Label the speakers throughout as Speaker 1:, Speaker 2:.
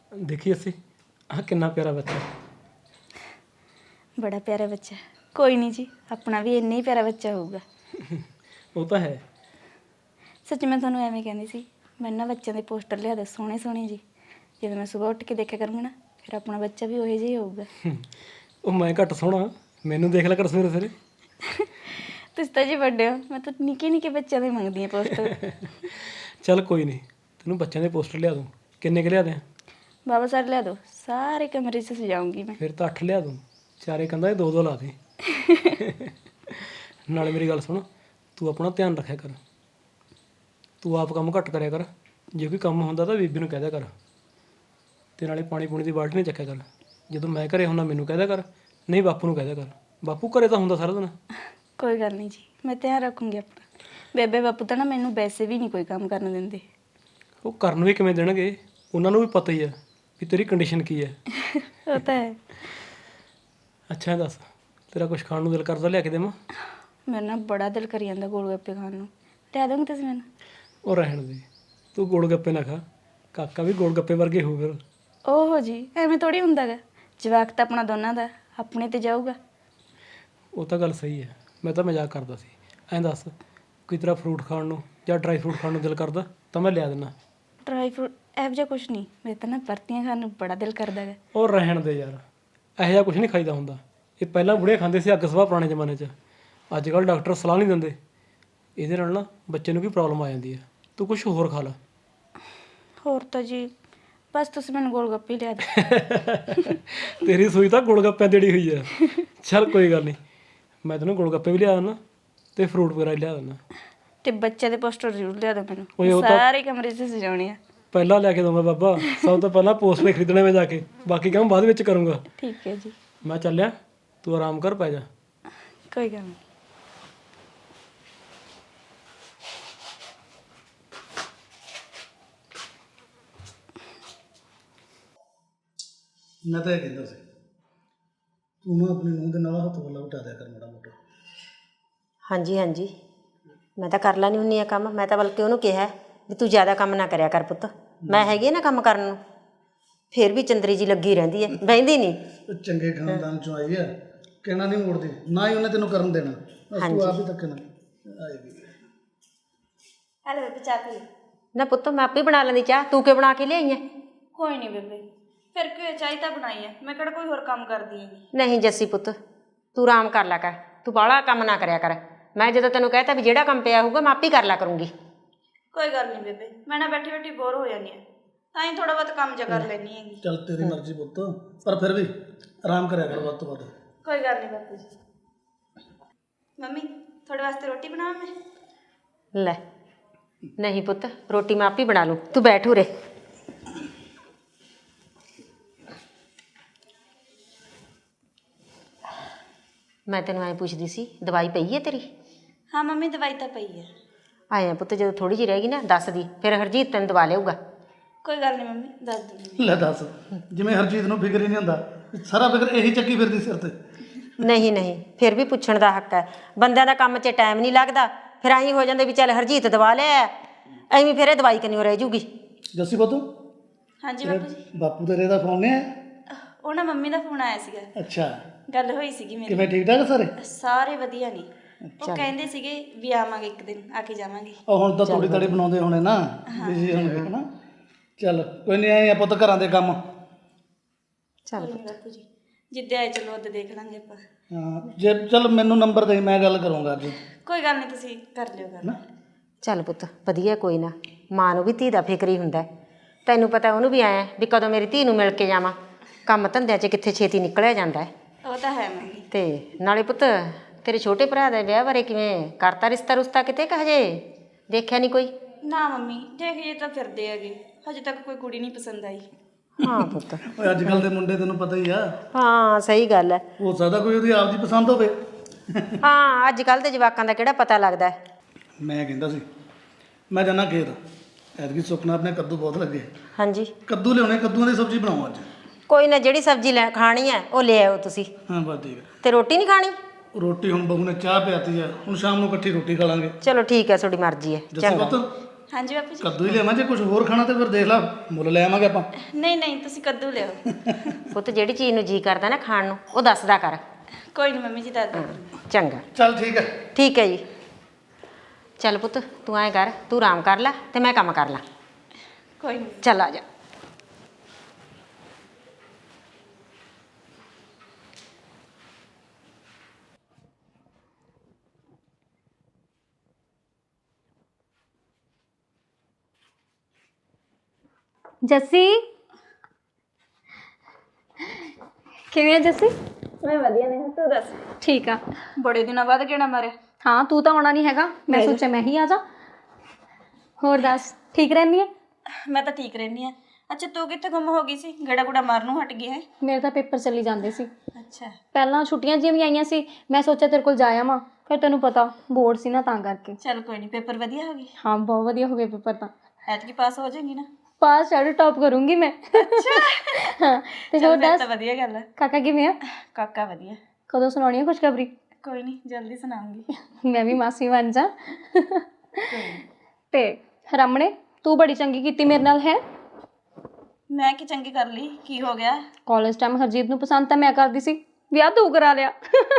Speaker 1: देखिए ਅਸੀਂ ਆਹ ਕਿੰਨਾ ਪਿਆਰਾ ਬੱਚਾ।
Speaker 2: बड़ा प्यारा बच्चा। कोई नहीं जी, अपना भी इन्ना ही प्यारा बच्चा होगा।
Speaker 1: ਉਹ ਤਾਂ ਹੈ।
Speaker 2: सच मैं ਤੁਹਾਨੂੰ ਐਵੇਂ ਕਹਿੰਦੀ ਸੀ, ਮੈਂ ਨਾ ਬੱਚਿਆਂ ਦੇ ਪੋਸਟਰ ਲਿਆ ਦੇ ਸੋਹਣੇ ਸੋਹਣੇ ਜੀ। ਜਦੋਂ ਮੈਂ ਸਵੇਰ ਉੱਠ ਕੇ ਦੇਖਿਆ ਕਰੂੰਗੀ ਨਾ, ਫਿਰ ਆਪਣਾ ਬੱਚਾ ਵੀ ਉਹੋ ਜਿਹਾ ਹੀ ਹੋਊਗਾ।
Speaker 1: ਉਹ ਮੈਂ ਘੱਟ ਸੋਹਣਾ, ਮੈਨੂੰ ਦੇਖ ਲਿਆ ਕਰ ਸਵੇਰੇ ਸਵੇਰੇ।
Speaker 2: ਤੁਸੀਂ ਤਾਂ ਜੀ ਵੱਡੇ ਹੋ, ਮੈਂ ਤਾਂ ਨਿੱਕੇ ਨਿੱਕੇ ਬੱਚਿਆਂ ਦੇ ਮੰਗਦੀ ਹਾਂ ਪੋਸਟਰ।
Speaker 1: ਚੱਲ ਕੋਈ ਨਹੀਂ, ਤੈਨੂੰ ਬੱਚਿਆਂ ਦੇ ਪੋਸਟਰ ਲਿਆ ਦੂੰ। ਕਿੰਨੇ ਕੁ ਲਿਆ ਦਿਆਂ?
Speaker 2: ਬਾਬਾ ਸਰ ਲਿਆ ਦਿਓ, ਸਾਰੇ ਕਮਰੇ 'ਚ ਸਜਾਉਂਗੀ ਮੈਂ।
Speaker 1: ਫਿਰ ਤਾਂ 8 ਲਿਆ ਦੂੰ, ਚਾਰੇ ਕੰਧਾਂ 'ਤੇ ਦੋ ਦੋ ਲਾ ਦੇ। ਨਾਲੇ ਮੇਰੀ ਗੱਲ ਸੁਣ, ਤੂੰ ਆਪਣਾ ਧਿਆਨ ਰੱਖਿਆ ਕਰ। ਤੂੰ ਆਪ ਕੰਮ ਘੱਟ ਕਰਿਆ ਕਰ, ਜੇ ਕੋਈ ਕੰਮ ਹੁੰਦਾ ਤਾਂ ਬੀਬੀ ਨੂੰ ਕਹਿ ਦਿਆ ਕਰ। ਅਤੇ ਨਾਲੇ ਪਾਣੀ ਪੂਣੀ ਦੀ ਬਾਲਟੀ ਨਹੀਂ ਚੱਕਿਆ ਕਰ। ਜਦੋਂ ਮੈਂ ਘਰੇ ਹੁੰਦਾ ਮੈਨੂੰ ਕਹਿ ਦਿਆ ਕਰ, ਨਹੀਂ ਬਾਪੂ ਨੂੰ ਕਹਿ ਦਿਆ ਕਰ। ਬਾਪੂ ਘਰੇ ਤਾਂ ਹੁੰਦਾ ਸਾਰਾ ਦਿਨ।
Speaker 2: ਕੋਈ ਗੱਲ ਨਹੀਂ ਜੀ, ਮੈਂ ਧਿਆਨ ਰੱਖੂੰਗੀ ਆਪਣਾ। ਬੇਬੇ ਬਾਪੂ ਤਾਂ ਨਾ ਮੈਨੂੰ ਵੈਸੇ ਵੀ ਨਹੀਂ ਕੋਈ ਕੰਮ ਕਰਨ ਦਿੰਦੇ।
Speaker 1: ਉਹ ਕਰਨ ਵੀ ਕਿਵੇਂ ਦੇਣਗੇ, ਉਹਨਾਂ ਨੂੰ ਵੀ ਪਤਾ ਹੀ ਹੈ ਵੀ ਤੇਰੀ ਕੰਡੀਸ਼ਨ ਕੀ ਹੈ।
Speaker 2: ਉਹ ਤਾਂ ਹੈ।
Speaker 1: ਅੱਛਾ ਇਹ ਦੱਸ, ਤੇਰਾ ਕੁਛ ਖਾਣ ਨੂੰ ਦਿਲ ਕਰਦਾ, ਲਿਆ ਕੇ ਦੇਵਾਂ?
Speaker 2: ਮੇਰਾ ਨਾ ਬੜਾ ਦਿਲ ਕਰੀ ਜਾਂਦਾ ਗੋਲ ਗੱਪੇ ਖਾਣ ਨੂੰ, ਲਿਆ ਦੋਗੇ ਤੁਸੀਂ ਮੈਨੂੰ?
Speaker 1: ਉਹ ਰਹਿਣ ਦੇ, ਤੂੰ ਗੋਲ ਗੱਪੇ ਨਾ ਖਾ, ਕਾਕਾ ਵੀ ਗੋਲ ਗੱਪੇ ਵਰਗੇ ਹੋਊ ਫਿਰ।
Speaker 2: ਓਹੋ ਜੀ, ਐਵੇਂ ਥੋੜੀ ਹੁੰਦਾ ਗਾ। ਜਵਾਕ ਤਾਂ ਆਪਣਾ ਦੋਨਾਂ ਦਾ, ਆਪਣੇ ਤੇ ਜਾਊਗਾ।
Speaker 1: ਉਹ ਤਾਂ ਗੱਲ ਸਹੀ ਹੈ, ਮੈਂ ਤਾਂ ਮਜ਼ਾਕ ਕਰਦਾ ਸੀ। ਐਂ ਦੱਸ, ਕੋਈ ਤੇਰਾ ਫਰੂਟ ਖਾਣ ਨੂੰ ਜਾਂ ਡਰਾਈ ਫਰੂਟ ਖਾਣ ਨੂੰ ਦਿਲ ਕਰਦਾ ਤਾਂ ਮੈਂ ਲਿਆ ਦਿੰਦਾ।
Speaker 2: ਡਰਾਈ ਫਰੂਟ ਇਹੋ ਜਿਹਾ ਕੁਛ ਨਹੀਂ, ਮੇਰੇ ਤਾਂ ਨਾ ਬਰਤੀਆਂ ਖਾਣ ਨੂੰ ਬੜਾ ਦਿਲ ਕਰਦਾ ਗਾ।
Speaker 1: ਉਹ ਰਹਿਣ ਦੇ ਯਾਰ, ਇਹੋ ਜਿਹਾ ਕੁਛ ਨਹੀਂ ਖਾਈਦਾ ਹੁੰਦਾ। ਇਹ ਪਹਿਲਾਂ ਬੁੜੇ ਖਾਂਦੇ ਸੀ, ਅੱਗ ਸਵਾਹ ਪੁਰਾਣੇ ਜ਼ਮਾਨੇ 'ਚ। ਅੱਜ ਕੱਲ੍ਹ ਡਾਕਟਰ ਸਲਾਹ ਨਹੀਂ ਦਿੰਦੇ, ਇਹਦੇ ਨਾਲ ਨਾ ਬੱਚੇ ਨੂੰ ਵੀ ਪ੍ਰੋਬਲਮ ਆ ਜਾਂਦੀ ਹੈ। ਤੂੰ ਕੁਛ ਹੋਰ ਖਾ ਲਾ।
Speaker 2: ਹੋਰ ਤਾਂ ਜੀ ਬਸ ਤੁਸੀਂ ਮੈਨੂੰ ਗੋਲ ਗੱਪੇ ਹੀ ਲਿਆ ਦਿਓ।
Speaker 1: ਤੇਰੀ ਸੂਈ ਤਾਂ ਗੋਲ ਗੱਪਿਆਂ ਦੇੜੀ ਹੋਈ ਆ। ਚੱਲ ਕੋਈ ਗੱਲ ਨਹੀਂ, ਮੈਂ ਤੈਨੂੰ ਗੋਲ ਗੱਪੇ ਵੀ ਲਿਆ ਦਿੰਦਾ ਅਤੇ ਫਰੂਟ ਵਗੈਰਾ ਵੀ ਲਿਆ ਦਿੰਦਾ।
Speaker 2: ਤੇ ਬੱਚੇ ਦੇ ਪੋਸਟਰ ਜ਼ਰੂਰ ਲਿਆ ਦਿਓ
Speaker 1: ਓਏ
Speaker 2: ਮੈਨੂੰ,
Speaker 1: ਉਹ ਤਾਂ
Speaker 2: ਸਾਰੇ ਕਮਰੇ 'ਚ ਸਜਾਉਣੇ ਆ।
Speaker 1: ਪਹਿਲਾਂ ਲੈ ਕੇ ਦਊਂਗਾ ਬਾਬਾ, ਸਭ ਤੋਂ ਪਹਿਲਾਂ ਪੋਸਟਰ ਖਰੀਦਣੇ ਮੈਂ ਜਾ ਕੇ, ਬਾਕੀ ਕੰਮ ਬਾਅਦ ਵਿੱਚ ਕਰੂੰਗਾ।
Speaker 2: ਠੀਕ ਹੈ ਜੀ।
Speaker 1: ਮੈਂ ਚੱਲਿਆ, ਤੂੰ ਆਰਾਮ ਕਰ, ਪੈ ਜਾ।
Speaker 2: ਕੋਈ ਗੱਲ ਨਹੀਂ।
Speaker 3: ਮੈਂ ਤਾਂ ਇਹ ਕਹਿੰਦਾ ਸੀ, ਤੂੰ ਨਾ ਆਪਣੀ ਨੂੰਹ ਦੇ ਨਾਲ ਹੱਥ ਵੱਲਾ ਵਟਾ ਦਿਆ ਕਰ ਮਾੜਾ ਮੋਟਾ।
Speaker 4: ਹਾਂਜੀ ਹਾਂਜੀ, ਮੈਂ ਤਾਂ ਕਰ ਲੈਂਦੀ ਹੁੰਦੀ ਆ ਕੰਮ। ਮੈਂ ਤਾਂ ਬਲਕਿ ਉਹਨੂੰ ਕਿਹਾ ਵੀ ਤੂੰ ਜ਼ਿਆਦਾ ਕੰਮ ਨਾ ਕਰਿਆ ਕਰ ਪੁੱਤ, ਮੈਂ ਹੈਗੀ ਆ ਨਾ ਕੰਮ ਕਰਨ ਨੂੰ। ਫਿਰ ਵੀ ਚੰਦਰੀ ਜੀ ਲੱਗੀ ਰਹਿੰਦੀ ਹੈ, ਬਹਿੰਦੀ ਨਹੀਂ।
Speaker 3: ਉਹ ਚੰਗੇ ਖਾਨਦਾਨ ਚੋਂ ਆਈ ਆ, ਕਹਿਣਾ ਨਹੀਂ ਮੋੜਦੀ, ਨਾ ਹੀ ਉਹਨੇ ਤੈਨੂੰ ਕਰਨ ਦੇਣਾ। ਬਸ ਤੂੰ ਆਪ ਹੀ ਧੱਕਣਾ ਆਏਗੀ।
Speaker 2: ਹੈਲੋ ਬੇਬੇ, ਚਾਹ ਪੀ।
Speaker 4: ਨਾ ਪੁੱਤ ਮੈਂ ਆਪੇ ਬਣਾ ਲੈਂਦੀ ਚਾਹ, ਤੂੰ ਕਿਉਂ ਬਣਾ ਕੇ ਲਿਆਈ ਹੈ?
Speaker 2: ਕੋਈ ਨਹੀਂ ਬੇਬੇ, ਫਿਰ ਕੀ ਚਾਹ ਤਾਂ ਬਣਾਈ ਹੈ, ਮੈਂ ਕਿਹੜਾ ਕੋਈ ਹੋਰ ਕੰਮ ਕਰਦੀ ਹੈਗੀ।
Speaker 4: ਨਹੀਂ ਜੱਸੀ ਪੁੱਤ, ਤੂੰ ਆਰਾਮ ਕਰ ਲਿਆ ਕਰ, ਤੂੰ ਬਾਹਲਾ ਕੰਮ ਨਾ ਕਰਿਆ ਕਰ। ਮੈਂ ਜਦੋਂ ਤੈਨੂੰ ਕਹਿਤਾ ਵੀ ਜਿਹੜਾ ਕੰਮ ਪਿਆ ਹੋਊਗਾ ਮੈਂ ਆਪੇ ਕਰ ਲਿਆ ਕਰੂੰਗੀ।
Speaker 2: ਕੋਈ ਗੱਲ ਨਹੀਂ ਬੇਬੇ, ਮੈਂ ਨਾ ਬੈਠੀ ਬੈਠੀ ਬੋਰ ਹੋ ਜਾਂਦੀ ਹਾਂ, ਤਾਂ ਹੀ ਥੋੜਾ ਬਹੁਤ ਕੰਮ ਜਿਹਾ ਕਰ ਲੈਂਦੀ ਹੈਗੀ।
Speaker 3: ਚੱਲ ਤੇਰੀ ਮਰਜ਼ੀ ਪੁੱਤ, ਪਰ ਫਿਰ ਵੀ ਆਰਾਮ ਕਰਿਆ ਕਰ ਵੱਧ ਤੋਂ ਵੱਧ।
Speaker 2: ਕੋਈ ਗੱਲ ਨਹੀਂ ਬਾਪੂ ਜੀ। ਮੰਮੀ ਤੁਹਾਡੇ ਵਾਸਤੇ ਰੋਟੀ ਬਣਾਵਾਂ ਮੈਂ?
Speaker 4: ਲੈ ਨਹੀਂ ਪੁੱਤ, ਰੋਟੀ ਮੈਂ ਆਪੇ ਬਣਾ ਲੂੰ, ਤੂੰ ਬੈਠ ਉਰੇ। ਮੈਂ ਤੈਨੂੰ ਐਂ ਪੁੱਛਦੀ ਸੀ, ਦਵਾਈ ਪਈ ਹੈ ਤੇਰੀ?
Speaker 2: ਹਾਂ ਮੰਮੀ, ਦਵਾਈ ਤਾਂ ਪਈ ਹੈ।
Speaker 4: ਆਏ ਪੁੱਤ, ਜਦੋਂ ਥੋੜੀ ਜਿਹੀ ਰਹਿ ਗਈ ਨਾ ਦੱਸ ਦੀ, ਫਿਰ ਹਰਜੀਤ ਤੈਨੂੰ ਦਵਾ ਲਿਆਊਗਾ।
Speaker 2: ਕੋਈ ਗੱਲ ਨਹੀਂ ਮੰਮੀ, ਦੱਸ ਦੂੰਗੀ।
Speaker 3: ਲੈ ਦੱਸ, ਜਿਵੇਂ ਹਰਜੀਤ ਨੂੰ ਫਿਕਰ ਹੀ ਨਹੀਂ ਹੁੰਦਾ, ਸਾਰਾ ਫਿਕਰ ਇਹੀ ਚੱਕੀ ਫਿਰਦੀ ਸਿਰ ਤੇ।
Speaker 4: ਨਹੀਂ ਨਹੀਂ, ਫਿਰ ਵੀ ਪੁੱਛਣ ਦਾ ਹੱਕ ਹੈ। ਬੰਦਿਆਂ ਦਾ ਕੰਮ 'ਚ ਟਾਈਮ ਨਹੀਂ ਲੱਗਦਾ, ਫਿਰ ਐਂ ਹੋ ਜਾਂਦੇ ਵੀ ਚੱਲ ਹਰਜੀਤ ਦਵਾ ਲਿਆ, ਐਵੇਂ ਫਿਰ ਇਹ ਦਵਾਈ ਕੰਨਿਓ ਰਹਿ ਜੂਗੀ।
Speaker 3: ਜੱਸੀ ਪੁੱਤ,
Speaker 2: ਹਾਂਜੀ ਬਾਪੂ ਜੀ।
Speaker 3: ਬਾਪੂ ਤੇਰੇ ਦਾ ਫੋਨ ਨਹੀਂ ਆਇਆ?
Speaker 2: ਉਹ ਨਾ ਮੰਮੀ ਦਾ ਫੋਨ ਆਇਆ ਸੀਗਾ,
Speaker 3: ਅੱਛਾ,
Speaker 2: ਗੱਲ ਹੋਈ ਸੀਗੀ ਮੇਰੀ।
Speaker 3: ਕਿਵੇਂ ਠੀਕ ਠਾਕ ਸਾਰੇ?
Speaker 2: ਸਾਰੇ ਵਧੀਆ ਨੇ। ਉਹ ਕਹਿੰਦੇ ਸੀਗੇ ਵੀ ਆਵਾਂਗੇ ਇੱਕ ਦਿਨ, ਆ ਕੇ ਜਾਵਾਂਗੇ।
Speaker 3: ਉਹ ਹੁਣ ਤਾਂ ਥੋੜੀ ਤੜੀ ਬਣਾਉਂਦੇ ਹੋਣੇ ਨਾ, ਬਿਜ਼ੀ ਹੋਣਗੇ ਹਨਾ। ਚੱਲ ਕੋਈ ਨਹੀਂ, ਆਏ ਆ ਪੁੱਤ ਘਰਾਂ ਦੇ ਕੰਮ।
Speaker 4: ਚੱਲ
Speaker 2: ਕੋਈ ਨਹੀਂ ਬਾਪੂ ਜੀ, ਜਿੱਦੇ ਆਏ ਚਲੋ ਉਹਦੇ ਦੇਖ ਲਾਂਗੇ ਆਪਾਂ।
Speaker 3: ਹਾਂ, ਜੇ ਚੱਲ ਮੈਨੂੰ ਨੰਬਰ ਦੇ, ਮੈਂ ਗੱਲ ਕਰੂੰਗਾ ਅੱਜ।
Speaker 2: ਕੋਈ ਗੱਲ ਨਹੀਂ, ਤੁਸੀਂ ਕਰ ਲਿਓ ਗੱਲ।
Speaker 4: ਚੱਲ ਪੁੱਤ ਵਧੀਆ, ਕੋਈ ਨਾ। ਮਾਂ ਨੂੰ ਵੀ ਧੀ ਦਾ ਫਿਕਰ ਹੀ ਹੁੰਦਾ, ਤੈਨੂੰ ਪਤਾ ਉਹਨੂੰ ਵੀ ਆਇਆ ਵੀ ਕਦੋਂ ਮੇਰੀ ਧੀ ਨੂੰ ਮਿਲ ਕੇ ਜਾਵਾਂ। ਕੰਮ ਧੰਦਿਆਂ 'ਚ ਕਿੱਥੇ ਛੇਤੀ ਨਿਕਲਿਆ ਜਾਂਦਾ ਹੈ।
Speaker 2: ਉਹ ਤਾਂ ਹੈ ਮੰਮੀ।
Speaker 4: ਤੇ ਨਾਲੇ ਪੁੱਤ ਤੇਰੇ ਛੋਟੇ ਭਰਾ ਦਾ ਵਿਆਹ ਬਾਰੇ ਕਿਵੇਂ ਕਰਤਾ, ਰਿਸ਼ਤਾ ਰੁਸ਼ਤਾ ਕਿਤੇ ਕਿ ਹਜੇ ਦੇਖਿਆ ਨਹੀਂ ਕੋਈ?
Speaker 2: ਨਾ ਮੰਮੀ, ਦੇਖੀਏ ਤਾਂ ਫਿਰਦੇ ਹੈਗੇ, ਹਜੇ ਤੱਕ ਕੋਈ ਕੁੜੀ ਨਹੀਂ ਪਸੰਦ ਆਈ।
Speaker 4: ਹਾਂ ਪੁੱਤ,
Speaker 3: ਓਏ ਅੱਜ ਕੱਲ ਦੇ ਮੁੰਡੇ ਤੈਨੂੰ ਪਤਾ ਹੀ ਆ,
Speaker 4: ਹਾਂ ਸਹੀ ਗੱਲ ਹੈ।
Speaker 3: ਹੋ ਸਕਦਾ ਕੋਈ ਉਹਦੀ ਆਪਦੀ ਪਸੰਦ ਹੋਵੇ।
Speaker 4: ਹਾਂ ਅੱਜ ਕੱਲ੍ਹ ਦੇ ਜਵਾਕਾਂ ਦਾ ਕਿਹੜਾ ਪਤਾ ਲੱਗਦਾ।
Speaker 3: ਮੈਂ ਕਹਿੰਦਾ ਸੀ, ਮੈਂ ਜਾਣਾ ਖੇਤ, ਐਤਕੀ ਸੁਪਨਾ ਆਪਣੇ ਕੱਦੂ ਬਹੁਤ ਲੱਗੇ।
Speaker 4: ਹਾਂਜੀ
Speaker 3: ਕੱਦੂ ਲਿਆਉਣੇ, ਕੱਦੂਆਂ ਦੀ ਸਬਜ਼ੀ ਬਣਾਓ ਅੱਜ।
Speaker 4: ਕੋਈ ਨਾ, ਜਿਹੜੀ ਸਬਜ਼ੀ ਲੈ ਖਾਣੀ ਹੈ ਉਹ ਲੈ ਆਓ ਤੁਸੀਂ।
Speaker 3: ਹਾਂ ਬਸ ਠੀਕ ਹੈ।
Speaker 4: ਤੇ ਰੋਟੀ ਨਹੀਂ ਖਾਣੀ?
Speaker 3: ਰੋਟੀ ਹੁਣ ਬਹੂ ਨੇ ਚਾਹ ਪਿਆਤੀ ਆ, ਹੁਣ ਸ਼ਾਮ ਨੂੰ ਇਕੱਠੀ ਰੋਟੀ ਖਾ ਲਾਂਗੇ।
Speaker 4: ਚਲੋ ਠੀਕ ਹੈ, ਤੁਹਾਡੀ ਮਰਜ਼ੀ ਹੈ।
Speaker 3: ਜੱਸੀ ਪੁੱਤ,
Speaker 2: ਹਾਂਜੀ ਬਾਪੂ ਜੀ।
Speaker 3: ਕੱਦੂ ਹੀ ਲਿਆਵਾਂ, ਜੇ ਕੁਝ ਹੋਰ ਖਾਣਾ ਤੇ ਫਿਰ ਦੇਖ ਲਾ, ਮੁੱਲ ਲੈ ਆਵਾਂਗੇ ਆਪਾਂ।
Speaker 2: ਨਹੀਂ ਨਹੀਂ, ਤੁਸੀਂ ਕੱਦੂ ਲਿਓ।
Speaker 4: ਪੁੱਤ ਜਿਹੜੀ ਚੀਜ਼ ਨੂੰ ਜੀ ਕਰਦਾ ਨਾ ਖਾਣ ਨੂੰ ਉਹ ਦੱਸਦਾ ਕਰ।
Speaker 2: ਕੋਈ ਨਹੀਂ ਮੰਮੀ ਜੀ, ਦੱਸ ਦਿਓ।
Speaker 4: ਚੰਗਾ
Speaker 3: ਚੱਲ ਠੀਕ ਹੈ।
Speaker 4: ਠੀਕ ਹੈ ਜੀ। ਚੱਲ ਪੁੱਤ ਤੂੰ ਐਂ ਕਰ, ਤੂੰ ਆਰਾਮ ਕਰ ਲੈ ਤੇ ਮੈਂ ਕੰਮ ਕਰ ਲਾਂ।
Speaker 2: ਕੋਈ ਨਹੀਂ।
Speaker 4: ਚੱਲ ਆ ਜਾ।
Speaker 5: ਜੱਸੀ, ਕਿਵੇਂ ਆ ਜੱਸੀ?
Speaker 2: ਮੈਂ ਵਧੀਆ ਨੇ, ਤੂੰ ਦੱਸ।
Speaker 5: ਠੀਕ ਆ।
Speaker 2: ਬੜੇ ਦਿਨਾਂ ਬਾਅਦ ਕਿਹੜਾ ਮਾਰਿਆ?
Speaker 5: ਹਾਂ, ਤੂੰ ਤਾਂ ਆਉਣਾ ਨਹੀਂ ਹੈਗਾ, ਮੈਂ ਸੋਚਿਆ ਮੈਂ ਹੀ ਆ ਜਾ। ਹੋਰ ਦੱਸ, ਠੀਕ ਰਹਿੰਦੀ ਹੈ?
Speaker 2: ਮੈਂ ਤਾਂ ਠੀਕ ਰਹਿੰਦੀ ਆ। ਅੱਛਾ, ਤੂੰ ਕਿੱਥੇ ਗੁੰਮ ਹੋ ਗਈ ਸੀ? ਗੇੜਾ ਗੁੜਾ ਮਾਰਨੋਂ ਹਟ ਗਈ ਹੈ?
Speaker 5: ਮੇਰੇ ਤਾਂ ਪੇਪਰ ਚੱਲੀ ਜਾਂਦੇ ਸੀ।
Speaker 2: ਅੱਛਾ।
Speaker 5: ਪਹਿਲਾਂ ਛੁੱਟੀਆਂ ਜਿਹੀਆਂ ਵੀ ਆਈਆਂ ਸੀ, ਮੈਂ ਸੋਚਿਆ ਤੇਰੇ ਕੋਲ ਜਾ ਆਵਾਂ, ਫਿਰ ਤੈਨੂੰ ਪਤਾ ਬੋਰਡ ਸੀ ਨਾ, ਤਾਂ ਕਰਕੇ।
Speaker 2: ਚੱਲ ਕੋਈ ਨਹੀਂ, ਪੇਪਰ ਵਧੀਆ ਹੋ ਗਏ?
Speaker 5: ਹਾਂ, ਬਹੁਤ ਵਧੀਆ ਹੋ ਗਏ ਪੇਪਰ ਤਾਂ।
Speaker 2: ਐਤਕੀ ਪਾਸ ਹੋ ਜਾਏਗੀ ਨਾ?
Speaker 5: ਪਾਸ ਸ਼ਾਇਦ ਟੌਪ ਕਰੂੰਗੀ ਮੈਂ। ਹਾਂ, ਤੇ ਹੋਰ ਦੱਸ,
Speaker 2: ਤਾਂ ਵਧੀਆ ਗੱਲ ਹੈ।
Speaker 5: ਕਾਕਾ ਕਿਵੇਂ ਆ?
Speaker 2: ਕਾਕਾ ਵਧੀਆ।
Speaker 5: ਕਦੋਂ ਸੁਣਾਉਣੀ ਹੈ ਖੁਸ਼ਖਬਰੀ?
Speaker 2: ਕੋਈ ਨਹੀਂ, ਜਲਦੀ ਸੁਣਾਉਂਗੀ।
Speaker 5: ਮੈਂ ਵੀ ਮਾਸੀ ਬਣ ਜਾ। ਤੇ ਰਾਮਣੇ, ਤੂੰ ਬੜੀ ਚੰਗੀ ਕੀਤੀ ਮੇਰੇ ਨਾਲ ਹੈ।
Speaker 2: ਮੈਂ ਕੀ ਚੰਗੀ ਕਰ ਲਈ? ਕੀ ਹੋ ਗਿਆ?
Speaker 5: ਕਾਲਜ ਟਾਈਮ ਹਰਜੀਤ ਨੂੰ ਪਸੰਦ ਤਾਂ ਮੈਂ ਕਰਦੀ ਸੀ, ਵਿਆਹ ਤੂੰ ਕਰਾ ਲਿਆ।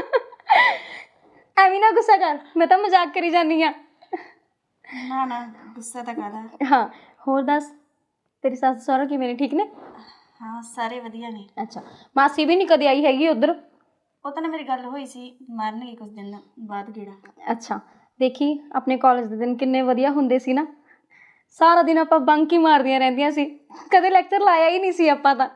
Speaker 5: ਐਵੇਂ ਨਾ ਗੁੱਸਾ ਕਰ, ਮੈਂ ਤਾਂ ਮਜ਼ਾਕ ਕਰੀ ਜਾਂਦੀ ਆ।
Speaker 2: ਨਾ ਨਾ, ਗੁੱਸਾ ਤਾਂ ਕਾਹਦਾ।
Speaker 5: ਹਾਂ, ਹੋਰ ਦੱਸ, ਤੇਰੀ ਸੱਸ ਸਹੁਰਾ ਕਿਵੇਂ ਨੇ, ਠੀਕ ਨੇ?
Speaker 2: ਹਾਂ, ਸਾਰੇ ਵਧੀਆ ਨੇ।
Speaker 5: ਅੱਛਾ, ਮਾਸੀ ਵੀ ਨਹੀਂ ਕਦੇ ਆਈ ਹੈਗੀ ਉੱਧਰ?
Speaker 2: ਉਹ ਤਾਂ ਨਾ ਮੇਰੀ ਗੱਲ ਹੋਈ ਸੀ, ਮਾਰਨਗੇ ਕੁਝ ਦਿਨ ਬਾਅਦ ਗੇੜਾ।
Speaker 5: ਅੱਛਾ, ਦੇਖੀ ਆਪਣੇ ਕਾਲਜ ਦੇ ਦਿਨ ਕਿੰਨੇ ਵਧੀਆ ਹੁੰਦੇ ਸੀ ਨਾ। ਸਾਰਾ ਦਿਨ ਆਪਾਂ ਬੰਕ ਹੀ ਮਾਰਦੀਆਂ ਰਹਿੰਦੀਆਂ ਸੀ, ਕਦੇ ਲੈਕਚਰ ਲਾਇਆ ਹੀ ਨਹੀਂ ਸੀ ਆਪਾਂ ਤਾਂ।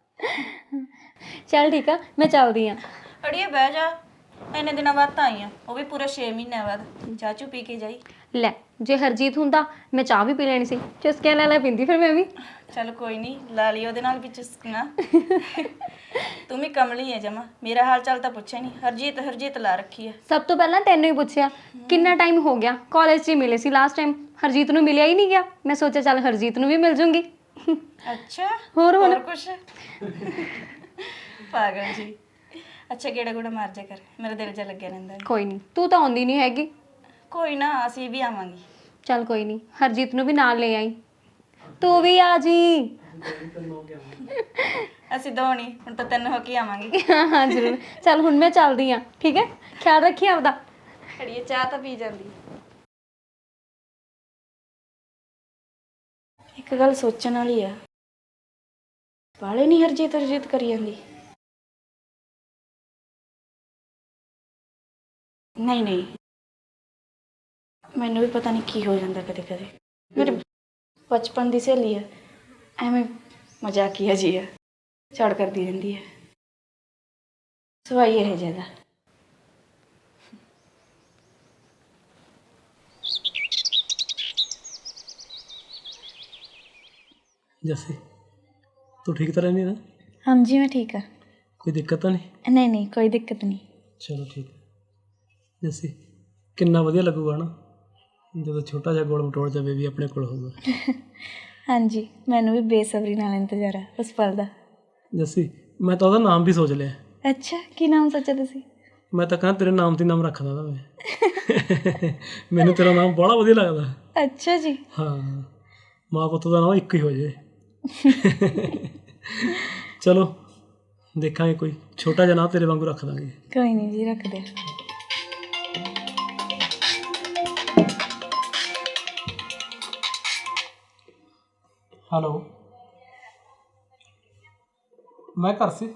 Speaker 5: ਚੱਲ ਠੀਕ ਆ, ਮੈਂ ਚੱਲਦੀ ਆ।
Speaker 2: ਅੜੀਏ ਬਹਿ ਜਾ, ਇੰਨੇ ਦਿਨਾਂ ਬਾਅਦ ਤਾਂ ਆਈ ਆ, ਉਹ ਵੀ ਪੂਰੇ 6 ਮਹੀਨਿਆਂ ਬਾਅਦ। ਚਾਹ ਚੂ ਪੀ ਕੇ ਜਾਈ।
Speaker 5: ਲੈ, ਜੇ ਹਰਜੀਤ ਹੁੰਦਾ ਮੈਂ ਚਾਹ ਵੀ ਪੀ ਲੈਣੀ ਸੀ, ਚੁਸਕਿਆਂ ਲੈ ਲੈ ਪੀਂਦੀ ਫਿਰ ਮੈਂ ਵੀ।
Speaker 2: ਚੱਲ ਕੋਈ ਨਹੀਂ, ਲਾ ਲਈ ਉਹਦੇ ਨਾਲ ਵੀ ਚੁਸਕਣਾ। ਤੂੰ ਵੀ ਕਮਲੀ ਹੈ ਜਮਾ, ਮੇਰਾ ਹਾਲ ਚਾਲ ਤਾਂ ਪੁੱਛਿਆ ਨਹੀਂ। ਹਰਜੀਤ ਹਰਜੀਤ ਲਾ ਰੱਖੀ ਹੈ।
Speaker 5: ਸਭ ਤੋਂ ਪਹਿਲਾਂ ਤੈਨੂੰ ਹੀ ਪੁੱਛਿਆ, ਕਿੰਨਾ ਟਾਈਮ ਹੋ ਗਿਆ? ਕਾਲਜ 'ਚ ਹੀ ਮਿਲੇ ਸੀ ਲਾਸਟ ਟਾਈਮ, ਹਰਜੀਤ ਨੂੰ ਮਿਲਿਆ ਹੀ ਨਹੀਂ ਗਿਆ। ਮੈਂ ਸੋਚਿਆ ਚੱਲ ਹਰਜੀਤ ਨੂੰ ਵੀ ਮਿਲ ਜੂੰਗੀ।
Speaker 2: ਅੱਛਾ,
Speaker 5: ਹੋਰ ਹੁਣ
Speaker 2: ਕੁਛ? ਪਾਗਲ ਜੀ। ਅੱਛਾ, ਗੇੜਾ ਗੂੜਾ ਮਾਰ ਜਾ ਕਰ, ਮੇਰਾ ਦਿਲ ਜਿਹਾ ਲੱਗਿਆ ਰਹਿੰਦਾ।
Speaker 5: ਕੋਈ ਨਹੀਂ, ਤੂੰ ਤਾਂ ਆਉਂਦੀ ਨਹੀਂ ਹੈਗੀ।
Speaker 2: ਕੋਈ ਨਾ, ਅਸੀਂ ਵੀ ਆਵਾਂਗੇ।
Speaker 5: ਚੱਲ ਕੋਈ ਨਹੀਂ, ਹਰਜੀਤ ਨੂੰ ਵੀ ਨਾਲ ਲੈ ਆਈ, ਤੂੰ ਵੀ ਆ ਜੀ।
Speaker 2: ਅਸੀਂ ਦੋ ਨਹੀਂ, ਹੁਣ ਤਾਂ ਤਿੰਨ ਹੋ ਕੇ ਆਵਾਂਗੇ।
Speaker 5: ਹਾਂ ਹਾਂ ਜ਼ਰੂਰ। ਚੱਲ ਹੁਣ ਮੈਂ ਚੱਲਦੀ ਆ, ਠੀਕ ਹੈ? ਖਿਆਲ ਰੱਖੀ ਆਪਦਾ।
Speaker 2: ਅੜੀਏ ਚਾਹ ਤਾਂ ਪੀ ਜਾਂਦੀ। ਇੱਕ ਗੱਲ ਸੋਚਣ ਵਾਲੀ ਆ, ਬਾਲੇ ਨਹੀਂ ਹਰਜੀਤ ਹਰਜੀਤ ਕਰੀ ਜਾਂਦੀ। ਨਹੀਂ ਨਹੀਂ, ਮੈਨੂੰ ਵੀ ਪਤਾ ਨਹੀਂ ਕੀ ਹੋ ਜਾਂਦਾ ਕਦੇ ਕਦੇ। ਮੇਰੇ ਬਚਪਨ ਦੀ ਸਹੇਲੀ ਆ, ਐਵੇਂ ਮਜ਼ਾਕੀਆ ਜੀ ਆ, ਝੜ ਕਰਦੀ ਰਹਿੰਦੀ ਹੈ। ਸਵਾਈ ਇਹ ਜਿਆਦਾ।
Speaker 1: ਜੱਸੀ, ਤੂੰ ਠੀਕ ਤਾਂ ਰਹਿੰਦੀ ਨਾ?
Speaker 2: ਹਾਂਜੀ, ਮੈਂ ਠੀਕ ਆ।
Speaker 1: ਕੋਈ ਦਿੱਕਤ ਤਾਂ ਨਹੀਂ?
Speaker 2: ਨਹੀਂ ਨਹੀਂ, ਕੋਈ ਦਿੱਕਤ ਨਹੀਂ।
Speaker 1: ਚਲੋ ਠੀਕ ਹੈ। ਜੱਸੀ, ਕਿੰਨਾ ਵਧੀਆ ਲੱਗੂਗਾ ਨਾ ਜਦੋਂ ਛੋਟਾ ਜਿਹਾ ਗੋਲ ਮਟੋਲ ਜਿਹਾ ਬੇਬੀ ਆਪਣੇ ਕੋਲ ਹੋਊਗਾ।
Speaker 2: ਹਾਂਜੀ, ਮੈਨੂੰ ਵੀ ਬੇਸਬਰੀ ਨਾਲ ਇੰਤਜ਼ਾਰ ਆ ਉਸ ਪਲ ਦਾ।
Speaker 1: ਜੱਸੀ, ਮੈਂ ਤਾਂ ਉਹਦਾ ਨਾਮ ਵੀ ਸੋਚ ਲਿਆ।
Speaker 2: ਅੱਛਾ, ਕੀ ਨਾਮ ਸੋਚਿਆ ਤੁਸੀਂ?
Speaker 1: ਮੈਂ ਤਾਂ ਕਹਿੰਦਾ ਤੇਰੇ ਨਾਮ ਤੇ ਨਾਮ ਰੱਖਦਾ ਤਾਂ ਮੈਂ। ਮੈਨੂੰ ਤੇਰਾ ਨਾਮ ਬੜਾ ਵਧੀਆ ਲੱਗਦਾ।
Speaker 2: ਅੱਛਾ ਜੀ।
Speaker 1: ਹਾਂ, ਮਾਂ ਪੁੱਤ ਦਾ ਨਾਮ ਇੱਕ ਹੀ ਹੋ ਜੇ। ਚਲੋ ਦੇਖਾਂਗੇ, ਕੋਈ ਛੋਟਾ ਜਿਹਾ ਨਾਮ ਤੇਰੇ ਵਾਂਗੂ ਰੱਖ ਦਾਂਗੇ।
Speaker 2: ਕੋਈ ਨਹੀਂ ਜੀ, ਰੱਖ ਦੇ।
Speaker 1: ਹੈਲੋ, ਮੈਂ ਘਰ ਸੀ।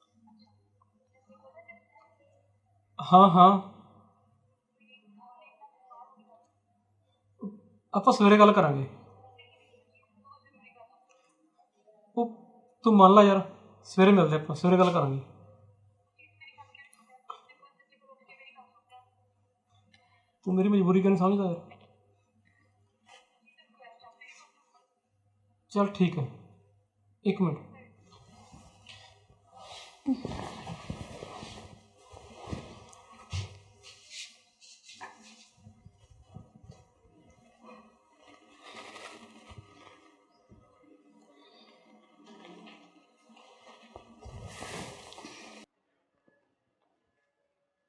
Speaker 1: ਹਾਂ ਹਾਂ, ਆਪਾਂ ਸਵੇਰੇ ਗੱਲ ਕਰਾਂਗੇ। ਉਹ ਤੂੰ ਮੰਨ ਲਾ ਯਾਰ, ਸਵੇਰੇ ਮਿਲਦੇ ਆਪਾਂ, ਸਵੇਰੇ ਗੱਲ ਕਰਾਂਗੇ। ਤੂੰ ਮੇਰੀ ਮਜਬੂਰੀ ਕਿਉਂ ਨਹੀਂ ਸਮਝਦਾ ਯਾਰ? चल ठीक है, एक मिनट।